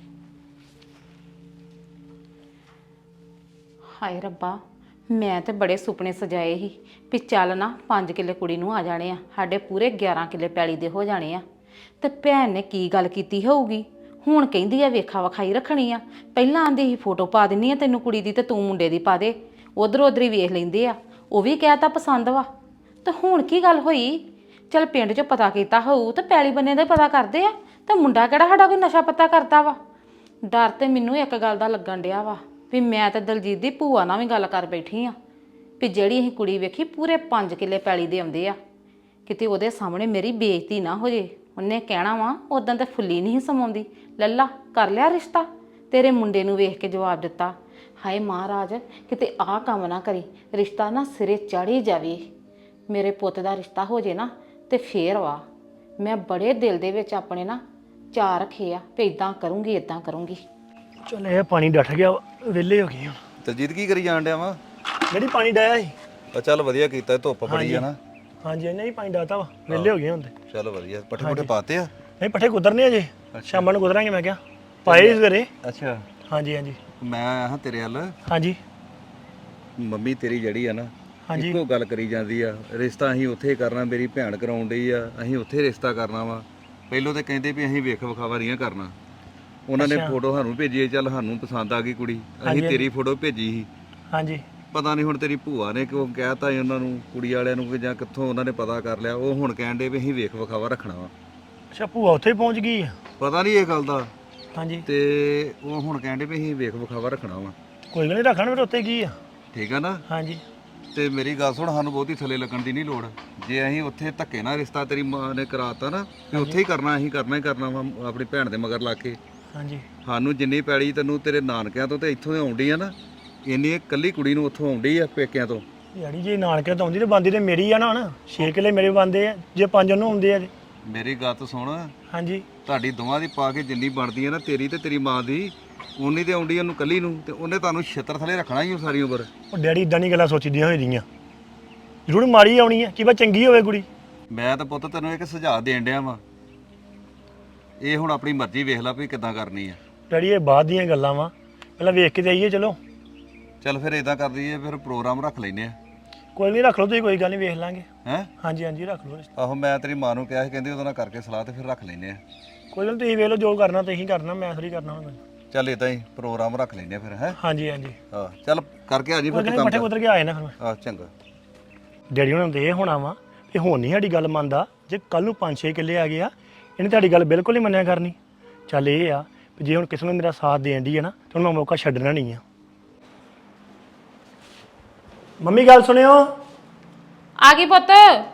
Speaker 2: ਹਾਏ ਰੱਬਾ, ਮੈਂ ਤੇ ਬੜੇ ਸੁਪਨੇ ਸਜਾਏ ਸੀ ਵੀ ਚੱਲ ਨਾ 5 ਕਿੱਲੇ ਕੁੜੀ ਨੂੰ ਆ ਜਾਣੇ ਆ, ਸਾਡੇ ਪੂਰੇ 11 ਕਿੱਲੇ ਪੈਲੀ ਦੇ ਹੋ ਜਾਣੇ ਆ। ਤੇ ਭੈਣ ਨੇ ਕੀ ਗੱਲ ਕੀਤੀ ਹੋਊਗੀ, ਹੁਣ ਕਹਿੰਦੀ ਆ ਵੇਖਾ ਵਿਖਾਈ ਰੱਖਣੀ ਆ। ਪਹਿਲਾਂ ਆਂਦੀ ਸੀ ਫੋਟੋ ਪਾ ਦਿੰਨੀ ਆ ਤੈਨੂੰ ਕੁੜੀ ਦੀ ਤੇ ਤੂੰ ਮੁੰਡੇ ਦੀ ਪਾ ਦੇ, ਉਧਰ ਉਧਰ ਹੀ ਵੇਖ ਲੈਂਦੇ ਆ, ਉਹ ਵੀ ਕਹਿਤਾ ਪਸੰਦ ਵਾ। ਤੇ ਹੁਣ ਕੀ ਗੱਲ ਹੋਈ? ਚੱਲ ਪਿੰਡ 'ਚ ਪਤਾ ਕੀਤਾ ਹੋਊ ਤੇ ਪੈਲੀ ਬੰਨੇ ਦਾ ਪਤਾ ਕਰਦੇ ਆ, ਤੇ ਮੁੰਡਾ ਕਿਹੜਾ ਸਾਡਾ ਕੋਈ ਨਸ਼ਾ ਪੱਤਾ ਕਰਦਾ ਵਾ। ਡਰ ਤੇ ਮੈਨੂੰ ਇੱਕ ਗੱਲ ਦਾ ਲੱਗਣ ਡਿਆ ਵਾ ਵੀ ਮੈਂ ਤਾਂ ਦਲਜੀਤ ਦੀ ਭੂਆ ਨਾਲ ਵੀ ਗੱਲ ਕਰ ਬੈਠੀ ਆ ਵੀ ਜਿਹੜੀ ਅਸੀਂ ਕੁੜੀ ਵੇਖੀ ਪੂਰੇ 5 ਕਿੱਲੇ ਪੈਲੀ ਦੇ ਆਉਂਦੇ ਆ, ਕਿਤੇ ਉਹਦੇ ਸਾਹਮਣੇ ਮੇਰੀ ਬੇਇੱਜ਼ਤੀ ਨਾ ਹੋ ਜੇ। ਉਹਨੇ ਕਹਿਣਾ ਵਾ ਉਦੋਂ ਤਾਂ ਫੁੱਲੀ ਨਹੀਂ ਸਮਾਉਂਦੀ, ਲੱਲਾ ਕਰ ਲਿਆ ਰਿਸ਼ਤਾ, ਤੇਰੇ ਮੁੰਡੇ ਨੂੰ ਵੇਖ ਕੇ ਜਵਾਬ ਦਿੱਤਾ। ਹਾਏ ਮਹਾਰਾਜ, ਕਿਤੇ ਆਹ ਕੰਮ ਨਾ ਕਰੀ, ਰਿਸ਼ਤਾ ਨਾ ਸਿਰੇ ਚੜ੍ਹ ਜਾਵੇ। ਮੇਰੇ ਪੁੱਤ ਦਾ ਰਿਸ਼ਤਾ ਹੋ ਜੇ ਨਾ ਤੇ ਫੇਰ ਵਾ। ਮੈਂ ਬੜੇ ਦਿਲ ਦੇ ਵਿੱਚ ਆਪਣੇ ਨਾ ਚਾਅ ਰੱਖੇ ਆ ਵੀ ਇਦਾਂ ਕਰੂੰਗੀ ਇਦਾਂ ਕਰੂੰਗੀ।
Speaker 3: ਚਲ ਇਹ ਪਾਣੀ ਡੱਠ ਗਿਆ, ਵਿਹਲੇ ਹੋ ਗਏ ਹੁਣ।
Speaker 1: ਦਲਜੀਤ ਕੀ ਕਰੀ ਜਾਣ ਡਿਆ ਵਾ?
Speaker 3: ਜਿਹੜੀ ਪਾਣੀ ਡਾਇਆ ਸੀ।
Speaker 1: ਆ ਚੱਲ ਵਧੀਆ ਕੀਤਾ, ਧੁੱਪ ਬੜੀ ਆ ਨਾ।
Speaker 3: ਹਾਂਜੀ ਨਹੀਂ ਪਾਣੀ ਡਾਤਾ ਵਾ, ਵਿਹਲੇ ਹੋ ਗਏ ਹੁਣ ਤੇ।
Speaker 1: ਚੱਲ ਵਧੀਆ, ਪੱਠੇ ਪੁੱਠੇ ਪਾਤੇ ਆ?
Speaker 3: ਨਹੀਂ ਪੱਠੇ ਕੁਤਰਨੇ ਅਜੇ, ਸ਼ਾਮਾਂ ਨੂੰ ਕੁਤਰਾਂਗੇ ਮੈਂ ਕਿਹਾ। ਪਾਏ ਸਵੇਰੇ।
Speaker 1: ਅੱਛਾ,
Speaker 3: ਹਾਂਜੀ
Speaker 1: ਮੈਂ ਆਇਆ ਹਾਂ ਤੇਰੇ ਵੱਲ।
Speaker 3: ਹਾਂਜੀ
Speaker 1: ਮੰਮੀ ਤੇਰੀ ਜਿਹੜੀ ਆ ਨਾ
Speaker 3: ਹਾਂਜੀ।
Speaker 1: ਇੱਕੋ ਗੱਲ ਕਰੀ ਜਾਂਦੀ ਆ, ਰਿਸ਼ਤਾ ਅਸੀਂ ਉੱਥੇ ਕਰਨਾ, ਮੇਰੀ ਭੈਣ ਕਰਾਉਣ ਡਈ ਆ, ਅਸੀਂ ਉੱਥੇ ਰਿਸ਼ਤਾ ਕਰਨਾ ਵਾ। ਪਹਿਲੋਂ ਤਾਂ ਕਹਿੰਦੇ ਵੀ ਅਸੀਂ ਵੇਖ ਵਿਖਾਵਾ ਨਹੀਂ ਕਰਨਾ। ਉਹਨਾਂ ਨੇ ਫੋਟੋ ਸਾਨੂੰ ਭੇਜੀ, ਚੱਲ ਸਾਨੂੰ ਪਸੰਦ ਆ ਗਈ ਕੁੜੀ, ਅਸੀਂ ਤੇਰੀ ਫੋਟੋ ਭੇਜੀ ਸੀ।
Speaker 3: ਹਾਂਜੀ
Speaker 1: ਪਤਾ ਨਹੀਂ ਹੁਣ ਤੇਰੀ ਭੂਆ ਨੇ ਕਿਉਂ ਕਹਿਤਾ ਉਹਨਾਂ ਨੂੰ, ਕੁੜੀ ਵਾਲਿਆਂ ਨੂੰ, ਕਿ ਜਾਂ ਕਿੱਥੋਂ ਉਹਨਾਂ ਨੇ ਪਤਾ ਕਰ ਲਿਆ। ਉਹ ਹੁਣ ਕਹਿਣ ਡੇ ਵੀ ਅਸੀਂ ਵੇਖ ਵਿਖਾਵਾ ਰੱਖਣਾ ਵਾ।
Speaker 3: ਅੱਛਾ ਭੂਆ ਉੱਥੇ ਪਹੁੰਚ ਗਈ ਆ?
Speaker 1: ਪਤਾ ਨਹੀਂ ਇਹ ਗੱਲ ਦਾ।
Speaker 3: ਹਾਂਜੀ
Speaker 1: ਤੇ ਉਹ ਹੁਣ ਕਹਿਣ ਡੇ ਵੀ ਅਸੀਂ ਵੇਖ ਵਿਖਾਵਾ ਰੱਖਣਾ ਵਾ।
Speaker 3: ਕੋਈ ਗੱਲ ਨਹੀਂ, ਰੱਖਣ ਫਿਰ ਉੱਥੇ ਕੀ ਆ।
Speaker 1: ਠੀਕ ਆ ਨਾ?
Speaker 3: ਹਾਂਜੀ
Speaker 1: ਤੇ ਮੇਰੀ ਗੱਲ ਸੁਣ, ਸਾਨੂੰ ਬਹੁਤੀ ਥੱਲੇ ਲੱਗਣ ਦੀ ਨਹੀਂ ਲੋੜ। ਜੇ ਅਸੀਂ ਉੱਥੇ ਧੱਕੇ ਨਾਲ ਰਿਸ਼ਤਾ ਤੇਰੀ ਮਾਂ ਨੇ ਕਰਾਤਾ ਨਾ ਤੇ ਉੱਥੇ ਹੀ ਕਰਨਾ, ਅਸੀਂ ਕਰਨਾ ਹੀ ਕਰਨਾ ਵਾ ਆਪਣੀ ਭੈਣ ਦੇ ਮਗਰ ਲਾ ਕੇ।
Speaker 3: ਹਾਂਜੀ
Speaker 1: ਸਾਨੂੰ ਜਿੰਨੀ ਪੈੜੀ ਤੈਨੂੰ ਤੇਰੇ ਨਾਨਕਿਆਂ ਤੋਂ ਤੇ ਇੱਥੋਂ ਦੇ ਆਉਂਦੀ ਆ ਨਾ, ਇੰਨੀ ਇਕੱਲੀ ਕੁੜੀ ਨੂੰ ਉੱਥੋਂ ਆਉਂਦੀ ਆ ਪੇਕਿਆਂ ਤੋਂ।
Speaker 3: ਯਾਰੀ ਜੇ ਨਾਨਕੇ ਤੋਂ ਆਉਂਦੀ ਤੇ ਬੰਦੀ ਤੇ ਮੇਰੀ ਆ ਨਾ। ਹੁਣ 6 ਕਿੱਲੇ ਮੇਰੇ ਬੰਦੇ ਆ, ਜੇ 5 ਉਹਨੂੰ ਆਉਂਦੇ ਆ।
Speaker 1: ਮੇਰੀ ਗੱਲ ਤਾਂ ਸੁਣ,
Speaker 3: ਹਾਂਜੀ
Speaker 1: ਤੁਹਾਡੀ ਦੋਵਾਂ ਦੀ ਪਾ ਕੇ ਜਿੰਨੀ ਬਣਦੀ ਆ ਨਾ, ਤੇਰੀ ਤੇ ਤੇਰੀ ਮਾਂ ਦੀ, ਉਨੀ ਤੇ ਆਉਂਦੀ ਉਹਨੂੰ ਕੱਲੀ ਨੂੰ, ਤੇ ਉਹਨੇ ਤੁਹਾਨੂੰ ਛਿੱਤਰ ਥੱਲੇ ਰੱਖਣਾ ਹੀ ਸਾਰੀ ਉਮਰ।
Speaker 3: ਉਹ ਡੈਡੀ ਇਦਾਂ ਨਹੀਂ ਗੱਲਾਂ ਸੋਚੀਦੀਆਂ ਹੋਈ ਦੀਆਂ, ਜ਼ਰੂਰ ਮਾੜੀ ਆਉਣੀ ਆ, ਕੀ ਬਾ ਚੰਗੀ ਹੋਵੇ ਕੁੜੀ।
Speaker 1: ਮੈਂ ਤਾਂ ਪੁੱਤ ਤੈਨੂੰ ਇੱਕ ਸੁਝਾਅ ਦੇਣ ਡਿਆ ਵਾਂ, ਇਹ ਹੁਣ ਆਪਣੀ ਮਰਜ਼ੀ ਵੇਖ ਲੈ ਵੀ ਕਿੱਦਾਂ ਕਰਨੀ ਆ।
Speaker 3: ਡੈਡੀ ਇਹ ਬਾਅਦ ਦੀਆਂ ਗੱਲਾਂ ਵਾ, ਪਹਿਲਾਂ ਵੇਖ ਕੇ ਤੇ ਆਈਏ। ਚਲੋ
Speaker 1: ਚੱਲ ਫਿਰ ਇਦਾਂ ਕਰ ਦਈਏ, ਫਿਰ ਪ੍ਰੋਗਰਾਮ ਰੱਖ ਲੈਨੇ ਆ।
Speaker 3: ਕੋਈ ਨਹੀਂ, ਰੱਖ ਲਓ ਤੁਸੀਂ, ਕੋਈ ਗੱਲ ਨਹੀਂ, ਵੇਖ ਲਾਂਗੇ।
Speaker 1: ਹੈਂ?
Speaker 3: ਹਾਂਜੀ ਰੱਖ ਲਓ।
Speaker 1: ਆਹੋ ਮੈਂ ਤੇਰੀ ਮਾਂ ਨੂੰ ਕਿਹਾ ਸੀ, ਕਹਿੰਦੀ ਉਹਦੇ ਨਾਲ ਕਰਕੇ ਸਲਾਹ ਤੇ ਫਿਰ ਰੱਖ ਲੈਨੇ ਆ।
Speaker 3: ਕੋਈ ਗੱਲ ਨੀ, ਤੁਸੀਂ ਵੇਖ ਲਓ ਜੋ ਕਰਨਾ ਤੁਸੀਂ ਕਰਨਾ, ਮੈਂ ਥੋੜੀ ਕਰਨਾ ਹੁਣ।
Speaker 1: ਚੱਲ ਇਦਾਂ ਹੀ ਪ੍ਰੋਗਰਾਮ ਰੱਖ ਲੈਨੇ ਫਿਰ ਹੈ।
Speaker 3: ਹਾਂਜੀ ਹਾਂਜੀ
Speaker 1: ਹਾਂ ਚੱਲ ਕਰਕੇ ਆ ਜੀ ਫਿਰ ਤੂੰ
Speaker 3: ਕਹਿੰਦੇ
Speaker 1: ਕੰਮ
Speaker 3: ਪੱਠੇ ਕੁਤਰ ਕੇ ਆਏ ਨਾ ਫਿਰ ਮੈਂ।
Speaker 1: ਚੰਗਾ।
Speaker 3: ਡੈਡੀ ਉਹਨਾਂ ਨੂੰ ਤੇ ਇਹ ਹੋਣਾ ਵਾ ਤੇ ਹੁਣ ਨਹੀਂ ਸਾਡੀ ਗੱਲ ਮੰਨਦਾ। ਜੇ ਕੱਲ ਨੂੰ 5-6 ਕਿੱਲੇ ਆ ਗਏ ਆ ਇਹਨੇ ਤੁਹਾਡੀ ਗੱਲ ਬਿਲਕੁਲ ਹੀ ਮੰਨਿਆ ਕਰਨੀ। ਚੱਲ ਇਹ ਆ ਵੀ ਜੇ ਹੁਣ ਕਿਸੇ ਨੂੰ ਮੇਰਾ ਸਾਥ ਦੇਣ ਦੀ ਹੈ ਨਾ ਤੇ ਹੁਣ ਮੈਂ ਮੌਕਾ ਛੱਡਣਾ ਨਹੀਂ ਆ। ਮੰਮੀ ਗੱਲ ਸੁਣਿਓ।
Speaker 2: ਆ ਗਈ ਪੁੱਤ।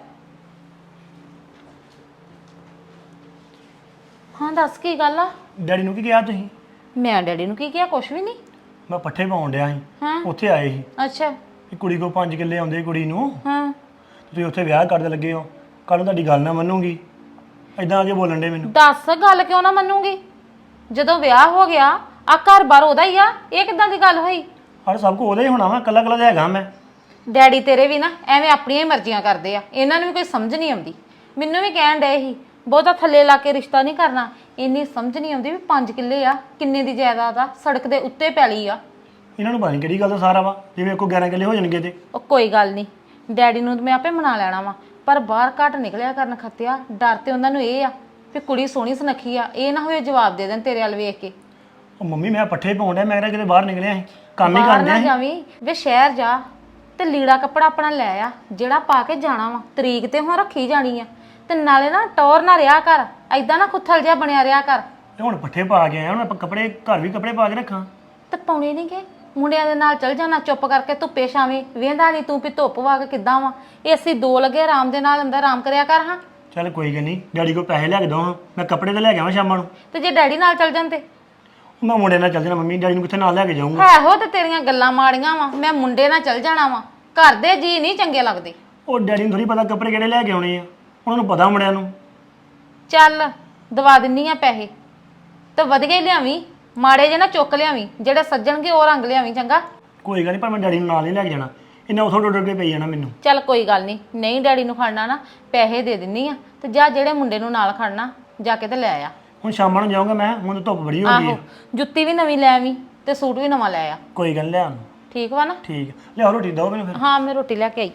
Speaker 2: ਹਾਂ ਦੱਸ ਕੀ ਗੱਲ ਆ?
Speaker 3: ਡੈਡੀ ਨੂੰ ਕੀ ਕਿਹਾ ਤੁਸੀਂ?
Speaker 2: ਮੈਂ ਡੈਡੀ ਨੂੰ ਕੀ ਕਿਹਾ? ਕੁਛ ਵੀ ਨਹੀਂ।
Speaker 3: ਮੈਂ ਪੱਠੇ ਪਾਉਣ ਡਿਆ ਸੀ
Speaker 2: ਹਾਂ
Speaker 3: ਉੱਥੇ ਆਏ ਸੀ
Speaker 2: ਅੱਛਾ
Speaker 3: ਕਿ ਕੁੜੀ ਕੋ 5 ਕਿੱਲੇ ਆਉਂਦੇ ਕੁੜੀ ਨੂੰ
Speaker 2: ਹਾਂ
Speaker 3: ਤੁਸੀਂ ਉੱਥੇ ਵਿਆਹ ਕਰਦੇ ਲੱਗੇ ਹੋ। ਕੱਲ ਨੂੰ ਤੁਹਾਡੀ ਗੱਲ ਨਾ ਮੰਨੂਗੀ। ਐਦਾਂ ਜੇ ਬੋਲਣ ਦੇ ਮੈਨੂੰ।
Speaker 2: ਦੱਸ ਗੱਲ ਕਿਉਂ ਨਾ ਮੰਨੂਗੀ? ਜਦੋਂ ਵਿਆਹ ਹੋ ਗਿਆ ਆ ਘਰ-ਬਾਰ ਉਹਦਾ ਹੀ ਆ। ਇਹ ਕਿੱਦਾਂ ਦੀ ਗੱਲ ਹੋਈ?
Speaker 3: ਹਰ ਸਭ ਕੋ ਉਹਦਾ ਹੀ ਹੋਣਾ ਵਾ, ਕੱਲਾ ਕੱਲਾ ਤਾਂ ਹੈਗਾ ਮੈਂ।
Speaker 2: ਡੈਡੀ ਤੇਰੇ ਵੀ ਨਾ ਐਵੇਂ ਆਪਣੀਆਂ ਹੀ ਮਰਜ਼ੀਆਂ ਕਰਦੇ ਆ। ਇਹਨਾਂ ਨੂੰ ਵੀ ਕੋਈ ਸਮਝ ਨਹੀਂ ਆਉਂਦੀ। ਮੈਨੂੰ ਵੀ ਕਹਿਣ ਡਏ ਸੀ ਬਹੁਤਾ ਥੱਲੇ ਲਾ ਕੇ ਰਿਸ਼ਤਾ ਨਹੀਂ ਕਰਨਾ। ਇੰਨੀ ਸਮਝ ਨਹੀਂ ਆਉਂਦੀ ਵੀ 5 ਕਿੱਲੇ ਆ, ਕਿੰਨੇ ਦੀ ਜਾਇਦਾਦ ਆ, ਸੜਕ ਦੇ ਉੱਤੇ ਪੈਲੀ ਆ।
Speaker 3: ਇਹਨਾਂ ਨੂੰ ਪਤਾ ਨਹੀਂ ਕਿਹੜੀ ਗੱਲ ਦਾ ਸਾਰਾ ਵਾ। ਜਿਵੇਂ ਕੋ 11 ਕਿੱਲੇ ਹੋ ਜਾਣਗੇ ਤੇ
Speaker 2: ਉਹ ਕੋਈ ਗੱਲ ਨਹੀਂ, ਡੈਡੀ ਨੂੰ ਮੈਂ ਆਪੇ ਮਨਾ ਲੈਣਾ ਵਾ। ਪਰ ਬਾਹਰ ਘੱਟ ਨਿਕਲਿਆ ਕਰਨ ਖੱਤਿਆ। ਡਰ ਤੇ ਉਹਨਾਂ ਨੂੰ ਇਹ ਆ ਵੀ ਕੁੜੀ ਸੋਹਣੀ ਸੁਨੱਖੀ ਆ, ਇਹ ਨਾ ਹੋਏ ਜਵਾਬ ਦੇ ਦੇਣ ਤੇਰੇ ਵੱਲ ਵੇਖ ਕੇ।
Speaker 3: ਉਹ ਮੰਮੀ ਮੈਂ ਪੱਠੇ ਪਾਉਣ ਡਿਆ, ਮੈਂ ਕਿਹੜਾ ਕਿਤੇ ਬਾਹਰ ਨਿਕਲਿਆ ਸੀ, ਕੰਮ ਹੀ
Speaker 2: ਬਾਹਰ
Speaker 3: ਕਰਨ
Speaker 2: ਨਾ
Speaker 3: ਡਿਆ ਸੀ।
Speaker 2: ਜਾਵੀਂ ਵੇ, ਸ਼ਹਿਰ ਜਾ ਤੇ ਲੀੜਾ ਕੱਪੜਾ ਆਪਣਾ ਲੈ ਆ ਜਿਹੜਾ ਪਾ ਕੇ ਜਾਣਾ ਵਾ। ਤਰੀਕ ਤੇ ਹੁਣ ਰੱਖੀ ਜਾਣੀ ਆ। ਤੇ ਨਾਲੇ ਨਾ ਟੌਰ ਨਾ ਰਿਹਾ ਕਰ, ਐਦਾਂ ਨਾ ਖੁੱਥਲ ਜਿਹਾ ਬਣਿਆ ਰਿਹਾ ਕਰ।
Speaker 3: ਤੇ ਹੁਣ ਪੱਠੇ ਪਾ ਕੇ ਆਇਆ, ਹੁਣ ਆਪਾਂ ਕੱਪੜੇ ਘਰ ਵੀ ਕੱਪੜੇ ਪਾ ਕੇ ਰੱਖਾਂ।
Speaker 2: ਤੇ ਪਾਉਣੇ ਨਹੀਂ ਗੇ ਮੁੰਡਿਆਂ ਦੇ ਨਾਲ ਚਲ ਜਾਣਾ ਚੁੱਪ ਕਰਕੇ ਧੁੱਪੇ ਛਾਵੇਂ। ਵੇਂਦਾ ਨਹੀਂ ਤੂੰ ਵੀ ਧੁੱਪ ਵਾ ਕੇ ਕਿੱਦਾਂ ਵਾ। ਏਸੀ 2 ਲੱਗੇ, ਆਰਾਮ ਦੇ ਨਾਲ ਅੰਦਰ ਆਰਾਮ ਕਰਿਆ ਕਰ। ਹਾਂ
Speaker 3: ਚੱਲ ਕੋਈ ਗੱਲ ਨਹੀਂ, ਡੈਡੀ ਕੋ ਪੈਸੇ ਲੈ ਕੇ ਦੋ ਹਾਂ, ਮੈਂ ਕੱਪੜੇ ਤੇ ਲੈ ਕੇ ਆਵਾਂ ਸ਼ਾਮਾਂ ਨੂੰ।
Speaker 2: ਤੇ ਜੇ ਡੈਡੀ ਨਾਲ ਚਲ ਜਾਂਦੇ?
Speaker 3: ਮੈਂ ਮੁੰਡੇ ਨਾਲ ਚੱਲ ਜਾਣਾ ਮੰਮੀ, ਡੈਡੀ ਨੂੰ ਕਿੱਥੇ ਨਾਲ ਲੈ ਕੇ ਜਾਊਂਗਾ।
Speaker 2: ਹੈ ਹੋ ਤੇ ਤੇਰੀਆਂ ਗੱਲਾਂ ਮਾੜੀਆਂ ਵਾ। ਮੈਂ ਮੁੰਡੇ ਨਾਲ ਚਲ ਜਾਣਾ ਵਾ। ਘਰ ਦੇ ਜੀ ਨਹੀਂ ਚੰਗੇ ਲੱਗਦੇ।
Speaker 3: ਉਹ ਡੈਡੀ ਨੂੰ ਥੋੜੀ ਪਤਾ ਕੱਪੜੇ ਕਿਹੜੇ ਲੈ ਕੇ ਆਉਣੇ ਆ, ਉਹਨਾਂ ਨੂੰ ਪਤਾ ਮੁੰਡਿਆਂ ਨੂੰ।
Speaker 2: ਚੱਲ ਦਵਾ ਦਿੰਨੀ ਆ ਪੈਸੇ ਤੇ ਵਧੀਆ ਹੀ ਲਿਆਵੀਂ, ਮਾੜੇ ਜੇ ਨਾ ਚੁੱਕ ਲਿਆਵੀਂ। ਜਿਹੜੇ ਸੱਜਣਗੇ ਉਹ ਰੰਗ ਲਿਆਵੀਂ ਚੰਗਾ।
Speaker 3: ਕੋਈ ਗੱਲ ਨਹੀਂ, ਪਰ ਮੈਂ ਡੈਡੀ ਨੂੰ ਨਾਲ ਨਹੀਂ ਲੈ ਕੇ ਜਾਣਾ। ਇੰਨਾ ਉਥੋਂ ਡੁੱਡ ਕੇ ਪਈ ਜਾਣਾ ਮੈਨੂੰ।
Speaker 2: ਚੱਲ ਕੋਈ ਗੱਲ ਨਹੀਂ, ਨਹੀਂ ਡੈਡੀ ਨੂੰ ਖੜਨਾ ਨਾ ਪੈਸੇ ਦੇ ਦਿੰਨੀ ਆ। ਤੇ ਜਾ ਜਿਹੜੇ ਮੁੰਡੇ ਨੂੰ ਨਾਲ ਖੜਨਾ ਜਾ ਕੇ ਤੇ ਲੈ ਆ।
Speaker 3: ਹੁਣ ਸ਼ਾਮਾਂ ਨੂੰ ਜਾਊਂਗਾ ਮੈਂ, ਹੁਣ ਤਾਂ ਧੁੱਪ ਬੜੀ ਹੋ ਗਈ
Speaker 2: ਆਹੋ
Speaker 3: ਹੈ।
Speaker 2: ਜੁੱਤੀ ਵੀ ਨਵੀਂ ਲੈ ਆਵੀਂ ਤੇ ਸੂਟ ਵੀ ਨਵਾਂ ਲੈ ਆ।
Speaker 3: ਕੋਈ ਗੱਲ ਨੀ, ਲਿਆ
Speaker 2: ਠੀਕ ਵਾ ਨਾ?
Speaker 3: ਠੀਕ ਲਿਆਓ ਰੋਟੀ ਦਿਓ ਮੈਨੂੰ ਫਿਰ।
Speaker 2: ਹਾਂ ਮੈਂ ਰੋਟੀ ਲੈ ਕੇ ਆਈ।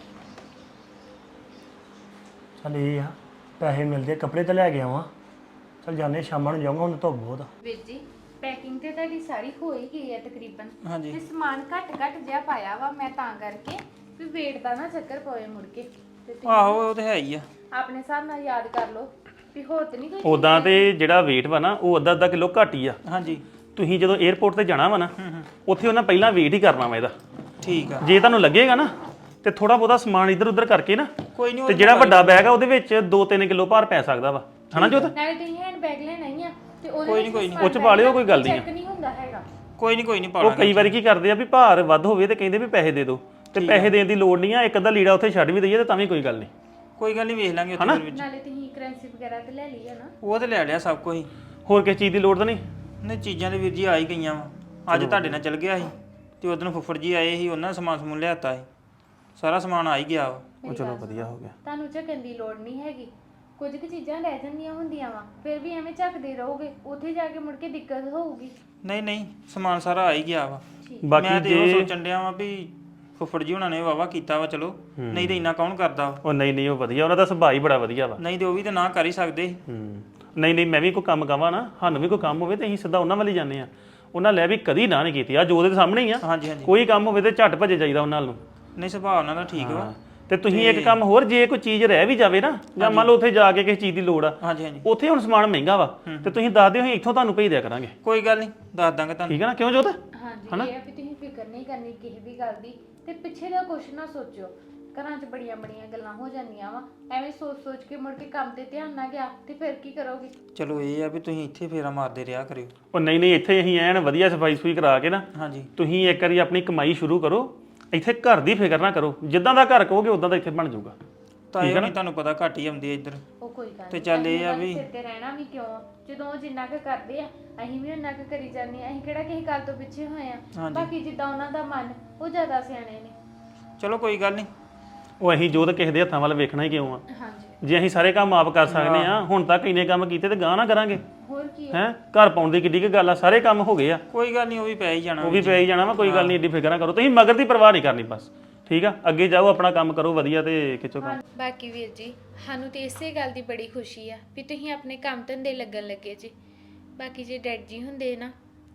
Speaker 3: ਚੱਲ ਇਹ ਆ ਪੈਸੇ ਮਿਲਦੇ, ਕੱਪੜੇ ਤਾਂ ਲੈ ਕੇ ਆਵਾਂ। ਚੱਲ ਜਾਂਦੇ, ਸ਼ਾਮਾਂ ਨੂੰ ਜਾਊਂਗਾ, ਹੁਣ ਧੁੱਪ ਬਹੁਤ ਆ।
Speaker 4: ਵੀਰ ਜੀ ਪੈਕਿੰਗ ਤੇ ਤੁਹਾਡੀ ਸਾਰੀ ਹੋ ਹੀ ਗਈ ਹੈ ਤਕਰੀਬਨ।
Speaker 3: ਹਾਂਜੀ।
Speaker 4: ਤੇ ਸਮਾਨ ਘੱਟ ਜਿਹਾ ਪਾਇਆ ਵਾ ਮੈਂ ਤਾਂ ਕਰਕੇ ਵੀ ਵੇਟ ਦਾ ਨਾ ਚੱਕਰ ਪਵੇ ਮੁੜ ਕੇ। ਤੇ ਤੁਸੀਂ
Speaker 5: ਆਹੋ ਉਹ ਤੇ ਹੈ ਹੀ ਆ।
Speaker 4: ਆਪਣੇ ਹਿਸਾਬ ਨਾਲ ਯਾਦ ਕਰ ਲਓ ਵੀ ਹੋਰ ਤੇ ਨਹੀਂ ਕੋਈ।
Speaker 3: ਉਦਾਂ ਤੇ ਜਿਹੜਾ weight ਵਾ ਨਾ ਉਹ ਅੱਧਾ ਕਿਲੋ ਘੱਟ ਹੀ ਆ।
Speaker 5: ਹਾਂਜੀ
Speaker 3: ਤੁਸੀਂ ਜਦੋਂ 에어ਪੋਰਟ ਤੇ ਜਾਣਾ ਵਾ ਨਾ, ਉੱਥੇ ਉਹਨਾਂ ਪਹਿਲਾਂ weight ਹੀ ਕਰਨਾ ਵਾ ਇਹਦਾ।
Speaker 5: ਠੀਕ ਆ।
Speaker 3: ਜੇ ਤੁਹਾਨੂੰ ਲੱਗੇਗਾ ਨਾ ਤੇ ਥੋੜਾ ਬਹੁਤਾ ਸਮਾਨ ਇੱਧਰ ਉੱਧਰ ਕਰਕੇ ਨਾ,
Speaker 5: ਕੋਈ ਨਹੀਂ
Speaker 3: ਤੇ ਜਿਹੜਾ ਵੱਡਾ ਬੈਗ ਆ ਉਹਦੇ ਵਿੱਚ 2-3 ਕਿਲੋ ਭਾਰ ਪੈ ਸਕਦਾ ਵਾ, ਹਨਾ ਜੋਤ?
Speaker 4: ਨਾਲੇ ਤੁਸੀਂ ਹੈਂਡ ਬੈਗ ਲੈਣਾ ਹੀ ਆ ਤੇ ਉਹਦੇ
Speaker 5: ਕੋਈ ਨਹੀਂ
Speaker 3: ਉਹ ਚ ਪਾ ਲਿਓ, ਕੋਈ ਗੱਲ ਨਹੀਂ
Speaker 4: ਚੈੱਕ ਨਹੀਂ ਹੁੰਦਾ ਹੈਗਾ।
Speaker 5: ਕੋਈ ਨਹੀਂ
Speaker 3: ਉਹ
Speaker 5: ਪਾਣਾ।
Speaker 3: ਕਈ ਵਾਰੀ ਕੀ ਕਰਦੇ ਆ ਵੀ ਭਾਰ ਵੱਧ ਹੋਵੇ ਤੇ ਕਹਿੰਦੇ ਵੀ ਪੈਸੇ ਦੇ ਦਿਓ, ਤੇ ਪੈਸੇ ਦੇਣ ਦੀ ਲੋੜ ਨਹੀਂ ਆ। ਇੱਕ ਅੱਧਾ ਲੀੜਾ ਉੱਥੇ ਛੱਡ ਵੀ ਦਈਏ ਤੇ ਤਾਂ ਵੀ ਕੋਈ ਗੱਲ ਨਹੀਂ।
Speaker 5: ਕੋਈ ਗੱਲ ਨਹੀਂ, ਵੇਖ ਲਾਂਗੇ ਉੱਥੇ ਫਿਰ ਵਿੱਚ।
Speaker 4: ਨਾਲੇ ਤੁਸੀਂ ਕਰੰਸੀ ਵਗੈਰਾ ਤੇ ਲੈ ਲਈ ਆ ਨਾ?
Speaker 5: ਉਹ ਤੇ ਲੈ ਲਿਆ ਸਭ ਕੁਝ।
Speaker 3: ਹੋਰ ਕਿਸੇ ਚੀਜ਼ ਦੀ ਲੋੜ ਤਾਂ ਨਹੀਂ?
Speaker 5: ਨਹੀਂ ਚੀਜ਼ਾਂ ਦੇ ਵੀਰ ਜੀ ਆ ਹੀ ਗਈਆਂ ਵਾ। ਅੱਜ ਤੁਹਾਡੇ ਨਾਲ ਚੱਲ ਗਿਆ ਸੀ ਤੇ ਉਦੋਂ ਫੁੱਫੜ ਜੀ ਆਏ ਸੀ, ਉਹਨਾਂ ਸਮਾਨ ਸਮੂਨ ਲਿਆਤਾ ਸੀ। ਸਾਰਾ ਸਮਾਨ ਆ ਹੀ ਗਿਆ ਵਾ।
Speaker 3: ਉਹ ਚਲੋ ਵਧੀਆ ਹੋ ਗਿਆ।
Speaker 4: ਤੁਹਾਨੂੰ ਝੱਕਣ ਦੀ ਲੋੜ ਨਹੀਂ ਹੈਗੀ। ਕੁਝ ਕੁ ਚੀਜ਼ਾਂ ਰਹਿ ਜਾਂਦੀਆਂ ਹੁੰਦੀਆਂ ਵਾ, ਫਿਰ ਵੀ ਐਵੇਂ ਝੱਕਦੇ ਰਹੋਗੇ, ਉੱਥੇ ਜਾ ਕੇ ਮੁੜ ਕੇ ਦਿੱਕਤ ਹੋਊਗੀ।
Speaker 5: ਨਹੀਂ ਸਮਾਨ ਸਾਰਾ ਆ ਹੀ ਗਿਆ ਵਾ।
Speaker 3: ਬਾਕੀ
Speaker 5: ਮੈਂ ਤੇ ਉਹ ਸੋਚਣ ਡਿਆ ਵਾਂ ਵੀ ਫੁੱਫੜ ਜੀ ਉਹਨਾਂ ਨੇ ਵਾਵਾ ਕੀਤਾ ਵਾ, ਚਲੋ ਨਹੀਂ ਤੇ ਇੰਨਾ ਕੌਣ ਕਰਦਾ ਵਾ।
Speaker 3: ਉਹ ਨਹੀਂ ਉਹ ਵਧੀਆ, ਉਹਨਾਂ ਦਾ ਸੁਭਾਅ ਹੀ ਬੜਾ ਵਧੀਆ ਵਾ।
Speaker 5: ਨਹੀਂ ਤੇ ਉਹ ਵੀ ਤਾਂ ਨਾ ਕਰ ਹੀ ਸਕਦੇ ਸੀ।
Speaker 3: ਨਹੀਂ ਮੈਂ ਵੀ ਕੋਈ ਕੰਮ ਕਵਾਂ ਨਾ, ਸਾਨੂੰ ਵੀ ਕੋਈ ਕੰਮ ਹੋਵੇ ਤੇ ਅਸੀਂ ਸਿੱਧਾ ਉਹਨਾਂ ਵੱਲ ਹੀ ਜਾਂਦੇ ਆ। ਉਹਨਾਂ ਲੈ ਵੀ ਕਦੀ ਨਾ ਨਹੀਂ ਕੀਤੀ। ਆ ਜੋ ਉਹਦੇ ਸਾਹਮਣੇ ਹੀ ਆ।
Speaker 5: ਹਾਂਜੀ
Speaker 3: ਕੋਈ ਕੰਮ ਹੋਵੇ ਤੇ ਝੱਟ ਭੱਜੇ ਜਾਈਦਾ ਉਹਨਾਂ ਨੂੰ।
Speaker 5: ਨਹੀਂ ਸੁਭਾਅ ਉਹਨਾਂ ਦਾ ਠੀਕ ਵਾ।
Speaker 3: ਤੇ ਤੁਸੀਂ ਇੱਕ ਕੰਮ ਹੋਰ, ਜੇ ਕੋਈ ਚੀਜ਼ ਰਹਿ ਵੀ ਜਾਵੇ ਨਾ, ਜਾਂ ਮੰਨ ਲਓ ਉੱਥੇ ਜਾ ਕੇ ਕਿਸੇ ਚੀਜ਼ ਦੀ ਲੋੜ ਆ,
Speaker 5: ਹਾਂਜੀ
Speaker 3: ਉੱਥੇ ਹੁਣ ਸਮਾਨ ਮਹਿੰਗਾ ਵਾ, ਤੇ ਤੁਸੀਂ ਦੱਸ ਦਿਓ, ਅਸੀਂ ਇੱਥੋਂ ਤੁਹਾਨੂੰ ਭੇਜ ਦਿਆ ਕਰਾਂਗੇ।
Speaker 5: ਕੋਈ ਗੱਲ ਨਹੀਂ, ਦੱਸ ਦਾਂਗੇ ਤੁਹਾਨੂੰ।
Speaker 3: ਠੀਕ ਹੈ ਨਾ? ਕਿਉਂ ਜੋਤ?
Speaker 4: ਹਾਂਜੀ ਇਹ ਆ ਵੀ ਤੁਸੀਂ ਫਿਕਰ ਨਹੀਂ ਕਰਨੀ ਕਿਸੇ ਵੀ ਗੱਲ ਦੀ, ਤੇ ਪਿੱਛੇ ਦਾ ਕੁਛ ਨਾ ਸੋਚਿਓ। ਘਰਾਂ 'ਚ ਬੜੀਆਂ ਗੱਲਾਂ ਹੋ ਜਾਂਦੀਆਂ ਵਾ, ਐਵੇਂ ਸੋਚ ਕੇ ਮੁੜ ਕੇ ਕੰਮ ਤੇ ਧਿਆਨ ਨਾ ਗਿਆ ਤੇ ਫਿਰ ਕੀ ਕਰੋਗੇ?
Speaker 5: ਚਲੋ ਇਹ ਆ ਵੀ ਤੁਸੀਂ ਇੱਥੇ ਫੇਰਾ ਮਾਰਦੇ ਰਿਹਾ ਕਰਿਓ।
Speaker 3: ਉਹ ਨਹੀਂ ਇੱਥੇ ਅਸੀਂ ਐਨ ਵਧੀਆ ਸਫਾਈ ਸੁਫਾਈ ਕਰਾ ਕੇ ਨਾ,
Speaker 5: ਹਾਂਜੀ
Speaker 3: ਤੁਸੀਂ ਇੱਕ ਵਾਰੀ ਆਪਣੀ ਕਮਾਈ ਸ਼ੁਰੂ ਕਰੋ। ਇੱਥੇ ਘਰ ਦੀ ਫਿਕਰ ਨਾ ਕਰੋ, ਜਿੱਦਾਂ ਦਾ ਘਰ ਕਹੋਗੇ ਉਦਾਂ ਦਾ ਇੱਥੇ ਬਣ ਜਾਊਗਾ।
Speaker 5: ਤਾਂ ਇਹ ਨਹੀਂ ਤੁਹਾਨੂੰ ਪਤਾ ਘੱਟ ਹੀ ਆਉਂਦੀ ਹੈ ਇੱਧਰ।
Speaker 4: ਉਹ ਕੋਈ ਗੱਲ
Speaker 5: ਤੇ ਚੱਲ ਇਹ ਆ ਵੀ
Speaker 4: ਸਿਰ ਤੇ ਰਹਿਣਾ ਵੀ ਕਿਉਂ, ਜਦੋਂ ਉਹ ਜਿੰਨਾ ਕੁ ਕਰਦੇ ਆ ਅਸੀਂ ਵੀ ਉਹਨਾਂ ਕੁ ਕਰੀ ਜਾਂਦੇ ਆ। ਅਸੀਂ ਕਿਹੜਾ ਕਿਸੇ ਗੱਲ ਤੋਂ ਪਿੱਛੇ ਹੋਏ ਆ। ਬਾਕੀ ਜਿੱਦਾਂ ਉਹਨਾਂ ਦਾ ਮਨ, ਉਹ ਜ਼ਿਆਦਾ ਸਿਆਣੇ ਨੇ।
Speaker 5: ਚਲੋ ਕੋਈ ਗੱਲ ਨਹੀਂ।
Speaker 3: ਉਹ ਅਸੀਂ ਜੋ ਤਾਂ ਕਿਸੇ ਦੇ ਹੱਥਾਂ ਵੱਲ ਵੇਖਣਾ ਹੀ ਕਿਉਂ ਆ?
Speaker 4: ਹਾਂਜੀ
Speaker 3: ਜੇ ਅਸੀਂ ਸਾਰੇ ਕੰਮ ਆਪ ਕਰ ਸਕਦੇ ਆ, ਹੁਣ ਤੱਕ ਇੰਨੇ ਕੰਮ ਕੀਤੇ ਤੇ ਗਾਂ ਨਾ ਕਰਾਂਗੇ।
Speaker 4: ਹੋਰ ਕੀ
Speaker 3: ਹੈ ਘਰ ਪਾਉਣ ਦੀ ਕਿੱਡੀ ਕੁ ਗੱਲ ਆ, ਸਾਰੇ ਕੰਮ ਹੋ ਗਏ ਆ।
Speaker 5: ਕੋਈ ਗੱਲ ਨਹੀਂ, ਉਹ ਵੀ ਪੈ ਹੀ ਜਾਣਾ।
Speaker 3: ਉਹ ਵੀ ਪੈ ਹੀ ਜਾਣਾ ਵਾ, ਕੋਈ ਗੱਲ ਨਹੀਂ, ਏਡੀ ਫਿਕਰ ਨਾ ਕਰੋ ਤੁਸੀਂ। ਮਗਰ ਦੀ ਪਰਵਾਹ ਨਹੀਂ ਕਰਨੀ ਬਸ, ਠੀਕ ਆ? ਅੱਗੇ ਜਾਓ, ਆਪਣਾ ਕੰਮ ਕਰੋ ਵਧੀਆ ਤੇ ਖਿੱਚੋ ਕੰਮ।
Speaker 4: ਬਾਕੀ ਵੀਰ ਜੀ ਸਾਨੂੰ ਤੇ ਇਸੇ ਗੱਲ ਦੀ ਬੜੀ ਖੁਸ਼ੀ ਆ ਵੀ ਤੁਸੀਂ ਆਪਣੇ ਕੰਮ ਧੰਦੇ ਲੱਗਣ ਲੱਗੇ ਜੀ। ਬਾਕੀ ਜੇ ਡੈਡ ਜੀ ਹੁੰਦੇ ਨਾ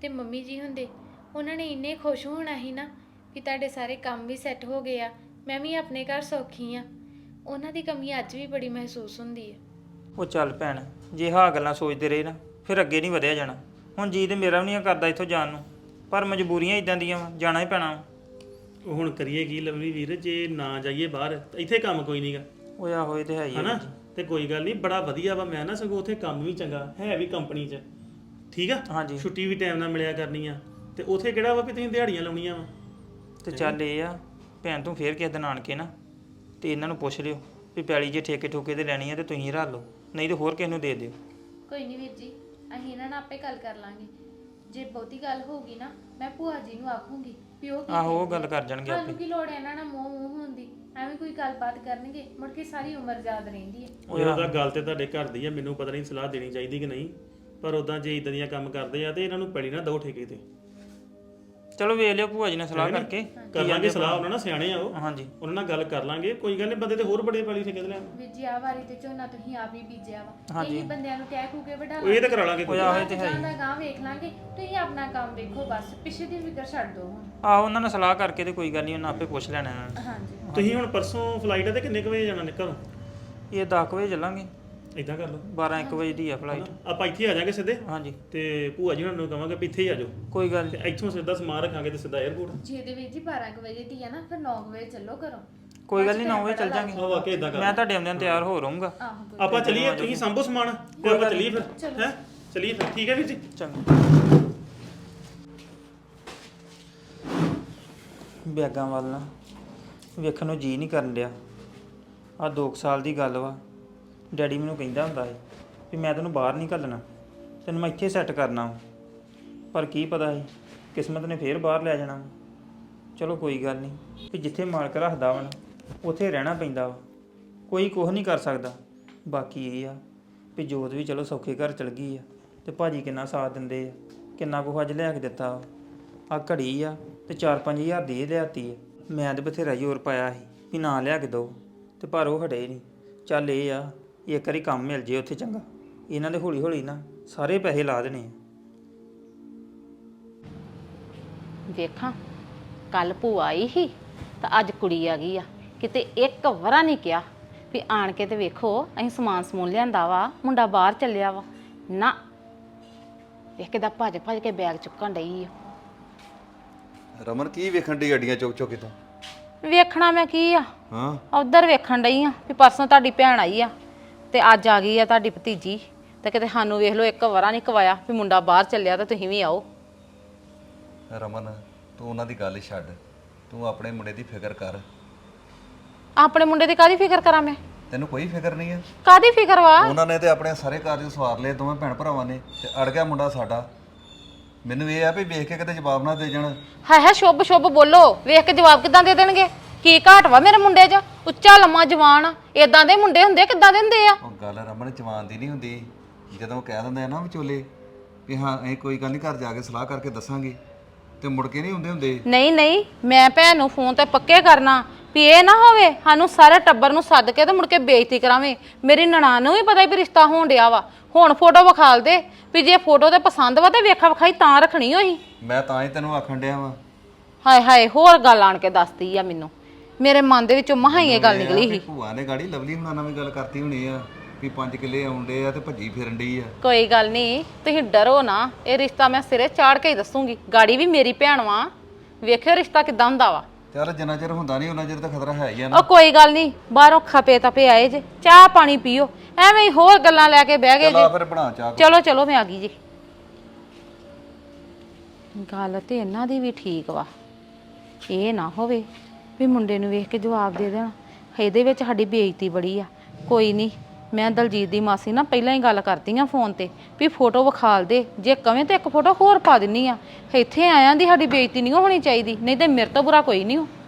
Speaker 4: ਤੇ ਮੰਮੀ ਜੀ ਹੁੰਦੇ, ਉਹਨਾਂ ਨੇ ਇੰਨੇ ਖੁਸ਼ ਹੋਣਾ ਸੀ ਨਾ ਵੀ ਤੁਹਾਡੇ ਸਾਰੇ ਕੰਮ ਵੀ ਸੈੱਟ ਹੋ ਗਏ ਆ, ਮੈਂ ਵੀ ਆਪਣੇ ਘਰ ਸੌਖੀ ਆ। ਉਹਨਾਂ ਦੀ ਕਮੀ ਅੱਜ ਵੀ ਬੜੀ ਮਹਿਸੂਸ ਹੁੰਦੀ ਹੈ।
Speaker 5: ਉਹ ਚੱਲ ਭੈਣ, ਜੇ ਹਾਂ ਗੱਲਾਂ ਸੋਚਦੇ ਰਹੇ ਨਾ ਫਿਰ ਅੱਗੇ ਨਹੀਂ ਵਧਿਆ ਜਾਣਾ। ਹੁਣ ਜੀ ਤੇ ਮੇਰਾ ਵੀ ਨਹੀਂ ਕਰਦਾ ਇੱਥੋਂ ਜਾਣ ਨੂੰ, ਪਰ ਮਜਬੂਰੀਆਂ ਇਦਾਂ ਦੀਆਂ ਵਾ, ਜਾਣਾ ਹੀ ਪੈਣਾ ਵਾ।
Speaker 3: ਉਹ ਹੁਣ ਕਰੀਏ ਕੀ ਲਵਲੀ ਵੀਰ, ਜੇ ਨਾ ਜਾਈਏ ਬਾਹਰ ਤਾਂ ਇੱਥੇ ਕੰਮ ਕੋਈ ਨਹੀਂਗਾ
Speaker 5: ਉਹ ਆ ਹੋਏ ਤੇ ਹੈ ਹੀ ਆ
Speaker 3: ਹਨਾ।
Speaker 5: ਵੀਰ ਜੀ।
Speaker 3: ਤੇ ਕੋਈ ਗੱਲ ਨਹੀਂ, ਬੜਾ ਵਧੀਆ ਵਾ। ਮੈਂ ਨਾ ਸਗੋਂ ਉੱਥੇ ਕੰਮ ਵੀ ਚੰਗਾ ਹੈ ਵੀ ਕੰਪਨੀ 'ਚ, ਠੀਕ ਆ।
Speaker 5: ਹਾਂਜੀ
Speaker 3: ਛੁੱਟੀ ਵੀ ਟਾਈਮ ਨਾਲ ਮਿਲਿਆ ਕਰਨੀ ਆ। ਤੇ ਉੱਥੇ ਕਿਹੜਾ ਵਾ ਵੀ ਤੁਸੀਂ ਦਿਹਾੜੀਆਂ ਲਾਉਣੀਆਂ ਵਾ।
Speaker 5: ਤੇ ਚੱਲ ਇਹ ਆ ਭੈਣ, ਤੂੰ ਫੇਰ ਕਿਸੇ ਦਿਨ ਆਣ ਕੇ ਨਾ ਤੇ ਇਹਨਾਂ ਨੂੰ ਪੁੱਛ ਲਿਓ ਵੀ ਪੈਲੀ ਜੇ ਠੇਕੇ ਠੋਕੇ ਤੇ ਲੈਣੀ ਆ ਤੇ ਤੁਸੀਂ ਰੱਖ ਲਓ, ਨਹੀਂ ਤੇ ਹੋਰ ਕਿਸੇ ਨੂੰ ਦੇ ਦਿਓ।
Speaker 4: ਕੋਈ ਨਹੀਂ ਵੀਰ ਜੀ, ਅਸੀਂ ਇਹਨਾਂ ਨਾਲ ਆਪੇ ਗੱਲ ਕਰ ਲਾਂਗੇ। ਜੇ ਬਹੁਤੀ ਗੱਲ ਹੋਊਗੀ ਨਾ ਮੈਂ ਭੂਆ ਜੀ ਨੂੰ ਆਖੂੰਗੀ ਵੀ ਉਹ ਕੀ
Speaker 5: ਆਹੋ ਉਹ ਗੱਲ ਕਰ ਜਾਣਗੇ
Speaker 4: ਸਾਨੂੰ
Speaker 5: ਆਪੇ।
Speaker 4: ਕੀ ਲੋੜ ਹੈ ਇਹਨਾਂ ਨਾਲ ਮੂੰਹ ਹੋਣ ਦੀ, ਐਵੇਂ ਕੋਈ ਗੱਲਬਾਤ ਕਰਨਗੇ ਮੁੜ ਕੇ ਸਾਰੀ ਉਮਰ ਯਾਦ ਰਹਿੰਦੀ ਹੈ।
Speaker 3: ਉਹਦਾ ਗੱਲ ਤੇ ਤੁਹਾਡੇ ਘਰ ਦੀ ਆ, ਮੈਨੂੰ ਪਤਾ ਨਹੀਂ ਸਲਾਹ ਦੇਣੀ ਚਾਹੀਦੀ ਕਿ ਨਹੀਂ, ਪਰ ਉਦਾਂ ਜੇ ਇਦਾਂ ਦੀਆਂ ਕੰਮ ਕਰਦੇ ਆ ਤੇ ਇਹਨਾਂ ਨੂੰ ਪੈਲੀ ਨਾ ਦੋ ਠੇਕੇ ਤੇ।
Speaker 5: ਚਲੋ ਵੇਖ ਲਿਓ ਭੂਆ ਜੀ ਨਾਲ ਸਲਾਹ ਕਰਕੇ।
Speaker 3: ਕਰ ਲਾਂਗੇ ਸਲਾਹ, ਉਹਨਾਂ ਨਾਲ ਸਿਆਣੇ ਆ ਉਹ,
Speaker 5: ਹਾਂਜੀ
Speaker 3: ਉਹਨਾਂ ਨਾਲ ਗੱਲ ਕਰ ਲਾਂਗੇ। ਕੋਈ ਗੱਲ ਨਹੀਂ, ਬੰਦੇ ਤੇ ਹੋਰ ਬੜੇ ਪੈਲੀ ਠੇਕੇ ਤੇ ਲੈਣ।
Speaker 4: ਵੀਰ ਜੀ ਆ ਵਾਰੀ ਤੇ ਝੋਨਾ ਤੁਸੀਂ ਆਪ ਹੀ ਬੀਜਿਆ ਵਾ, ਇਹੀ ਬੰਦਿਆਂ ਨੂੰ ਕਹਿ ਕੂ ਕੇ ਵਢਾ
Speaker 3: ਉਹ ਇਹ ਤਾਂ ਕਰਾ ਲਾਂਗੇ ਕੋਈ।
Speaker 5: ਉਹ ਆਹੋ ਤੇ ਹੈ
Speaker 4: ਦਾ ਗਾਂ ਵੇਖ ਲਾਂਗੇ, ਤੁਸੀਂ ਆਪਣਾ ਕੰਮ ਦੇਖੋ ਬਸ, ਪਿੱਛੇ ਦੀ ਫਿਕਰ ਛੱਡ ਦਿਓ ਹੁਣ।
Speaker 5: ਆਹੋ ਉਹਨਾਂ ਨਾਲ ਸਲਾਹ ਕਰਕੇ ਤੇ ਕੋਈ ਗੱਲ ਨਹੀਂ, ਉਹਨਾਂ ਆਪੇ ਪੁੱਛ ਲੈਣਾ ਇਹਨਾਂ ਨੇ।
Speaker 4: ਹਾਂਜੀ
Speaker 3: ਤੁਸੀਂ ਹੁਣ ਪਰਸੋਂ ਫਲਾਈਟ ਹੈ ਤੇ ਕਿੰਨੇ ਕੁ ਵਜੇ ਜਾਣਾ ਨਿਕਲ?
Speaker 5: ਇਹ 10 ਵਜੇ ਚੱਲਾਂਗੇ,
Speaker 3: ਇਦਾਂ ਕਰ ਲਓ
Speaker 5: 12-1 ਵਜੇ ਦੀ ਆ ਫਲਾਈਟ।
Speaker 3: ਆਪਾਂ ਇੱਥੇ ਆ ਜਾਾਂਗੇ ਸਿੱਧੇ,
Speaker 5: ਹਾਂਜੀ
Speaker 3: ਤੇ ਭੂਆ ਜੀ ਉਹਨਾਂ ਨੂੰ ਕਹਾਂਗੇ ਵੀ ਇੱਥੇ ਹੀ ਆ ਜਾਓ,
Speaker 5: ਕੋਈ ਗੱਲ
Speaker 3: ਤੇ
Speaker 5: ਨਹੀਂ।
Speaker 3: ਇੱਥੋਂ ਸਿੱਧਾ ਸਮਾਨ ਰੱਖਾਂਗੇ ਤੇ ਸਿੱਧਾ 에ਅਰਪੋਰਟ।
Speaker 4: ਜੇ ਦੇ ਵੀਰ ਜੀ 12 ਕੁ ਵਜੇ ਦੀ ਆ ਨਾ, ਫਿਰ 9 ਵਜੇ ਚੱਲੋ ਘਰੋਂ।
Speaker 5: ਕੋਈ ਗੱਲ ਨਹੀਂ, 9 ਵਜੇ ਚੱਲ ਜਾਾਂਗੇ।
Speaker 3: ਆ ਵਾਕਿਆ ਇਦਾਂ ਕਰ।
Speaker 5: ਮੈਂ ਤੁਹਾਡੇ ਆਉਂਦਿਆਂ ਤਿਆਰ ਹੋ ਰਹੂੰਗਾ।
Speaker 4: ਆਹੋ
Speaker 3: ਆਪਾਂ ਚੱਲੀਏ, ਤੁਸੀਂ ਸੰਭੋ ਸਮਾਨ ਤੇ ਆਪਾਂ ਚੱਲੀਏ ਫਿਰ। ਹੈ ਚੱਲੀਏ ਫਿਰ, ਠੀਕ ਹੈ ਵੀਰ ਜੀ।
Speaker 5: ਚੰਗਾ। ਬੈਗਾਂ ਵੱਲ ਨਾ ਵੇਖਣ ਨੂੰ ਜੀ ਨਹੀਂ ਕਰਨ ਡਿਆ। ਆ 2 ਸਾਲ ਦੀ ਗੱਲ ਵਾ, ਡੈਡੀ ਮੈਨੂੰ ਕਹਿੰਦਾ ਹੁੰਦਾ ਸੀ ਵੀ ਮੈਂ ਤੈਨੂੰ ਬਾਹਰ ਨਹੀਂ ਘੱਲਣਾ, ਤੈਨੂੰ ਮੈਂ ਇੱਥੇ ਸੈੱਟ ਕਰਨਾ ਵਾ। ਪਰ ਕੀ ਪਤਾ ਸੀ ਕਿਸਮਤ ਨੇ ਫੇਰ ਬਾਹਰ ਲੈ ਜਾਣਾ ਵਾ। ਚਲੋ ਕੋਈ ਗੱਲ ਨਹੀਂ, ਵੀ ਜਿੱਥੇ ਮਾਲਕ ਰੱਖਦਾ ਵਾ ਨਾ ਉੱਥੇ ਰਹਿਣਾ ਪੈਂਦਾ ਵਾ, ਕੋਈ ਕੁਝ ਨਹੀਂ ਕਰ ਸਕਦਾ। ਬਾਕੀ ਇਹ ਆ ਵੀ ਜੋਤ ਵੀ ਚਲੋ ਸੌਖੇ ਘਰ ਚਲ ਗਈ ਆ, ਤੇ ਭਾਜੀ ਕਿੰਨਾ ਸਾਥ ਦਿੰਦੇ ਆ, ਕਿੰਨਾ ਕੁਝ ਅੱਜ ਲਿਆ ਕੇ ਦਿੱਤਾ। ਆ ਘੜੀ ਆ ਤੇ 4-5 ਹਜ਼ਾਰ ਦੀ ਇਹ ਲਿਆਤੀ ਆ। ਮੈਂ ਤੇ ਬਥੇਰਾ ਜ਼ੋਰ ਪਾਇਆ ਸੀ ਵੀ ਨਾ ਲਿਆ ਕੇ ਦੋ, ਤੇ ਪਰ ਉਹ ਹਟੇ ਨਹੀਂ। ਚੱਲ ਇਹ ਆ ਇੱਕ ਵਾਰੀ ਕੰਮ ਮਿਲ ਜੇ ਉੱਥੇ ਚੰਗਾ, ਇਹਨਾਂ ਦੇ ਹੌਲੀ ਹੌਲੀ ਨਾ ਸਾਰੇ ਪੈਸੇ ਲਾ ਦੇਣੇ ਆ।
Speaker 2: ਵੇਖਾਂ ਕੱਲ ਭੂਆ ਆਈ ਸੀ ਤਾਂ ਅੱਜ ਕੁੜੀ ਆ ਗਈ ਆ। ਕਿਤੇ ਇੱਕ ਵਾਰਾ ਨਹੀਂ ਕਿਹਾ ਵੀ ਆਣ ਕੇ ਤੇ ਵੇਖੋ ਅਸੀਂ ਸਮਾਨ ਸਮੂਨ ਲਿਆਂਦਾ ਵਾ, ਮੁੰਡਾ ਬਾਹਰ ਚੱਲਿਆ ਵਾ ਨਾ। ਵੇਖ ਕਿਦਾ ਭੱਜ ਭੱਜ ਕੇ ਬੈਗ ਚੁੱਕਣ ਡਈ ਆ।
Speaker 1: ਰਮਨ ਕੀ ਵੇਖਣ ਦੀ ਗੱਡੀਆਂ ਚੁੱਕ ਚੁੱਕ ਕਿਤੋਂ?
Speaker 2: ਵੇਖਣਾ ਮੈਂ ਕੀ ਆ,
Speaker 1: ਹਾਂ
Speaker 2: ਉਧਰ ਵੇਖਣ ਡਈ ਆ ਵੀ ਪਰਸੋਂ ਤੁਹਾਡੀ ਭੈਣ ਆਈ ਆ ਤੇ ਅੱਜ ਆ ਗਈ ਆ ਤੁਹਾਡੀ ਭਤੀਜੀ, ਤੇ ਕਿਤੇ ਸਾਨੂੰ ਵੇਖ ਲਓ ਇੱਕ ਵਾਰਾ ਨਹੀਂ ਕਵਾਇਆ ਵੀ ਮੁੰਡਾ ਬਾਹਰ ਚੱਲਿਆ ਤਾਂ ਤੁਸੀਂ ਵੀ ਆਓ।
Speaker 1: ਰਮਨ ਤੂੰ ਉਹਨਾਂ ਦੀ ਗੱਲ ਛੱਡ, ਤੂੰ ਆਪਣੇ ਮੁੰਡੇ ਦੀ ਫਿਕਰ ਕਰ।
Speaker 2: ਆਪਣੇ ਮੁੰਡੇ ਦੀ ਕਾਹਦੀ ਫਿਕਰ ਕਰਾਂ ਮੈਂ?
Speaker 1: ਤੈਨੂੰ ਕੋਈ ਫਿਕਰ ਨਹੀਂ ਹੈ?
Speaker 2: ਕਾਹਦੀ ਫਿਕਰ ਵਾ?
Speaker 1: ਉਹਨਾਂ ਨੇ ਤੇ ਆਪਣੇ ਸਾਰੇ ਕਾਰਜ ਸਵਾਰ ਲਏ, ਦੋਵੇਂ ਭੈਣ ਭਰਾਵਾਂ ਨੇ, ਤੇ ਅੜ ਗਿਆ ਮੁੰਡਾ ਸਾਡਾ। ਮੈਨੂੰ ਇਹ ਆ ਵੀ ਵੇਖ ਕੇ ਕਿਤੇ ਜਵਾਬ ਨਾ ਦੇ ਜਾਣ।
Speaker 2: ਹਾਏ ਹਾਏ ਸ਼ੁੱਭ ਸ਼ੁੱਭ ਬੋਲੋ, ਵੇਖ ਕੇ ਜਵਾਬ ਕਿੱਦਾਂ ਦੇ ਦੇਣਗੇ? ਕੀ ਘਾਟ ਵਾ ਮੇਰੇ ਮੁੰਡੇ 'ਚ? ਉੱਚਾ ਲੰਮਾ ਜਵਾਨ ਆ, ਇਦਾਂ ਦੇ ਮੁੰਡੇ ਹੁੰਦੇ ਕਿੱਦਾਂ ਦੇ ਹੁੰਦੇ ਆ?
Speaker 1: ਉਹ ਗੱਲ ਰਮਨ ਜਵਾਨ ਦੀ ਨਹੀਂ ਹੁੰਦੀ, ਜਦੋਂ ਕਹਿ ਦਿੰਦੇ ਆ ਨਾ ਵਿਚੋਲੇ ਵੀ ਹਾਂ ਇਹ ਕੋਈ ਗੱਲ ਨਹੀਂ, ਘਰ ਜਾ ਕੇ ਸਲਾਹ ਕਰਕੇ ਦੱਸਾਂਗੇ, ਤੇ ਮੁੜ ਕੇ ਨਹੀਂ ਹੁੰਦੇ।
Speaker 2: ਨਹੀਂ ਨਹੀਂ, ਮੈਂ ਭੈਣ ਨੂੰ ਫੋਨ ਤੇ ਪੱਕੇ ਕਰਨਾ ਵੀ ਇਹ ਨਾ ਹੋਵੇ ਸਾਨੂੰ ਸਾਰੇ ਟੱਬਰ ਨੂੰ ਸੱਦ ਕੇ ਤੇ ਮੁੜ ਕੇ ਬੇਇੱਜ਼ਤੀ ਕਰਾਵੇਂ। ਮੇਰੀ ਨਨਾਣ ਨੂੰ ਵੀ ਪਤਾ ਵੀ ਰਿਸ਼ਤਾ ਹੋਣ ਡਿਆ ਵਾ, ਹੁਣ ਫੋਟੋ ਵਿਖਾਲ ਦੇ ਵੀ ਜੇ ਫੋਟੋ ਤੇ ਪਸੰਦ ਵਾ ਤੇ ਵੇਖਾ ਵਿਖਾਈ ਤਾਂ ਰੱਖਣੀ ਹੋਈ।
Speaker 1: ਮੈਂ ਤਾਂ ਹੀ ਤੈਨੂੰ ਆਖਣ ਡਿਆ ਵਾਂ।
Speaker 2: ਹਾਏ ਹਾਏ ਹੋਰ ਗੱਲ ਆਣ ਕੇ ਦੱਸਦੀ ਆ ਮੈਨੂੰ, ਮੇਰੇ ਮਨ ਦੇ ਵਿੱਚੋਂ ਮਹਾਂ ਹੀ ਇਹ ਗੱਲ ਨਿਕਲੀ ਸੀ।
Speaker 1: ਭੂਆ ਨੇ ਗਾੜੀ ਲਵਲੀ ਹੁਣਾਂ ਨਾਲ ਵੀ ਗੱਲ ਕਰਤੀ ਹੋਣੀ ਆ ਵੀ 5 ਕਿੱਲੇ ਆਉਂਦੇ ਆ ਤੇ ਭੱਜੀ ਫਿਰਨ ਡਈ ਆ।
Speaker 2: ਕੋਈ ਗੱਲ ਨਹੀਂ, ਤੁਸੀਂ ਡਰੋ ਨਾ, ਇਹ ਰਿਸ਼ਤਾ ਮੈਂ ਸਿਰੇ ਚਾੜ ਕੇ ਹੀ ਦੱਸੂਗੀ। ਗਾੜੀ ਵੀ ਮੇਰੀ ਭੈਣ ਵਾ, ਵੇਖਿਓ ਰਿਸ਼ਤਾ ਕਿੱਦਾਂ ਹੁੰਦਾ ਵਾ।
Speaker 1: ਚੱਲ ਜਿੰਨਾ ਚਿਰ ਹੁੰਦਾ ਨਹੀਂ ਉਹਨਾਂ ਚਿਰ ਤਾਂ ਖਤਰਾ ਹੈ ਹੀ ਆ ਨਾ।
Speaker 2: ਉਹ ਕੋਈ ਗੱਲ ਨਹੀਂ, ਬਾਹਰੋਂ ਖਪੇ ਤਪੇ ਆਏ ਜੇ, ਚਾਹ ਪਾਣੀ ਪੀਓ, ਐਵੇਂ ਹੀ ਹੋਰ ਗੱਲਾਂ ਲੈ ਕੇ ਬਹਿ ਗਏ
Speaker 1: ਚੱਲ ਆ
Speaker 2: ਜੇ।
Speaker 1: ਫਿਰ ਬਣਾ ਚਾਹ।
Speaker 2: ਚਲੋ ਚਲੋ ਮੈਂ ਆ ਗਈ ਜੀ। ਗੱਲ ਤੇ ਇਹਨਾਂ ਦੀ ਵੀ ਠੀਕ ਵਾ, ਇਹ ਨਾ ਹੋਵੇ ਵੀ ਮੁੰਡੇ ਨੂੰ ਵੇਖ ਕੇ ਜਵਾਬ ਦੇ ਦੇਣਾ। ਇਹਦੇ ਵਿੱਚ ਸਾਡੀ ਬੇਇੱਜ਼ਤੀ ਬੜੀ ਆ। ਕੋਈ ਨਹੀਂ, ਮੈਂ ਦਲਜੀਤ ਦੀ ਮਾਸੀ ਨਾਲ ਪਹਿਲਾਂ ਹੀ ਗੱਲ ਕਰਦੀ ਆ ਫੋਨ ਤੇ ਵੀ ਫੋਟੋ ਵਿਖਾਲ ਦੇ, ਜੇ ਕਵੇਂ ਤੇ ਇੱਕ ਫੋਟੋ ਹੋਰ ਪਾ ਦਿੰਨੀ ਆ। ਇੱਥੇ ਆਇਆਂ ਦੀ ਸਾਡੀ ਬੇਇੱਜ਼ਤੀ ਨਹੀਂ ਹੋਣੀ ਚਾਹੀਦੀ, ਨਹੀਂ ਤੇ ਮੇਰੇ ਤੋਂ ਬੁਰਾ ਕੋਈ ਨਹੀਂ ਹੋ।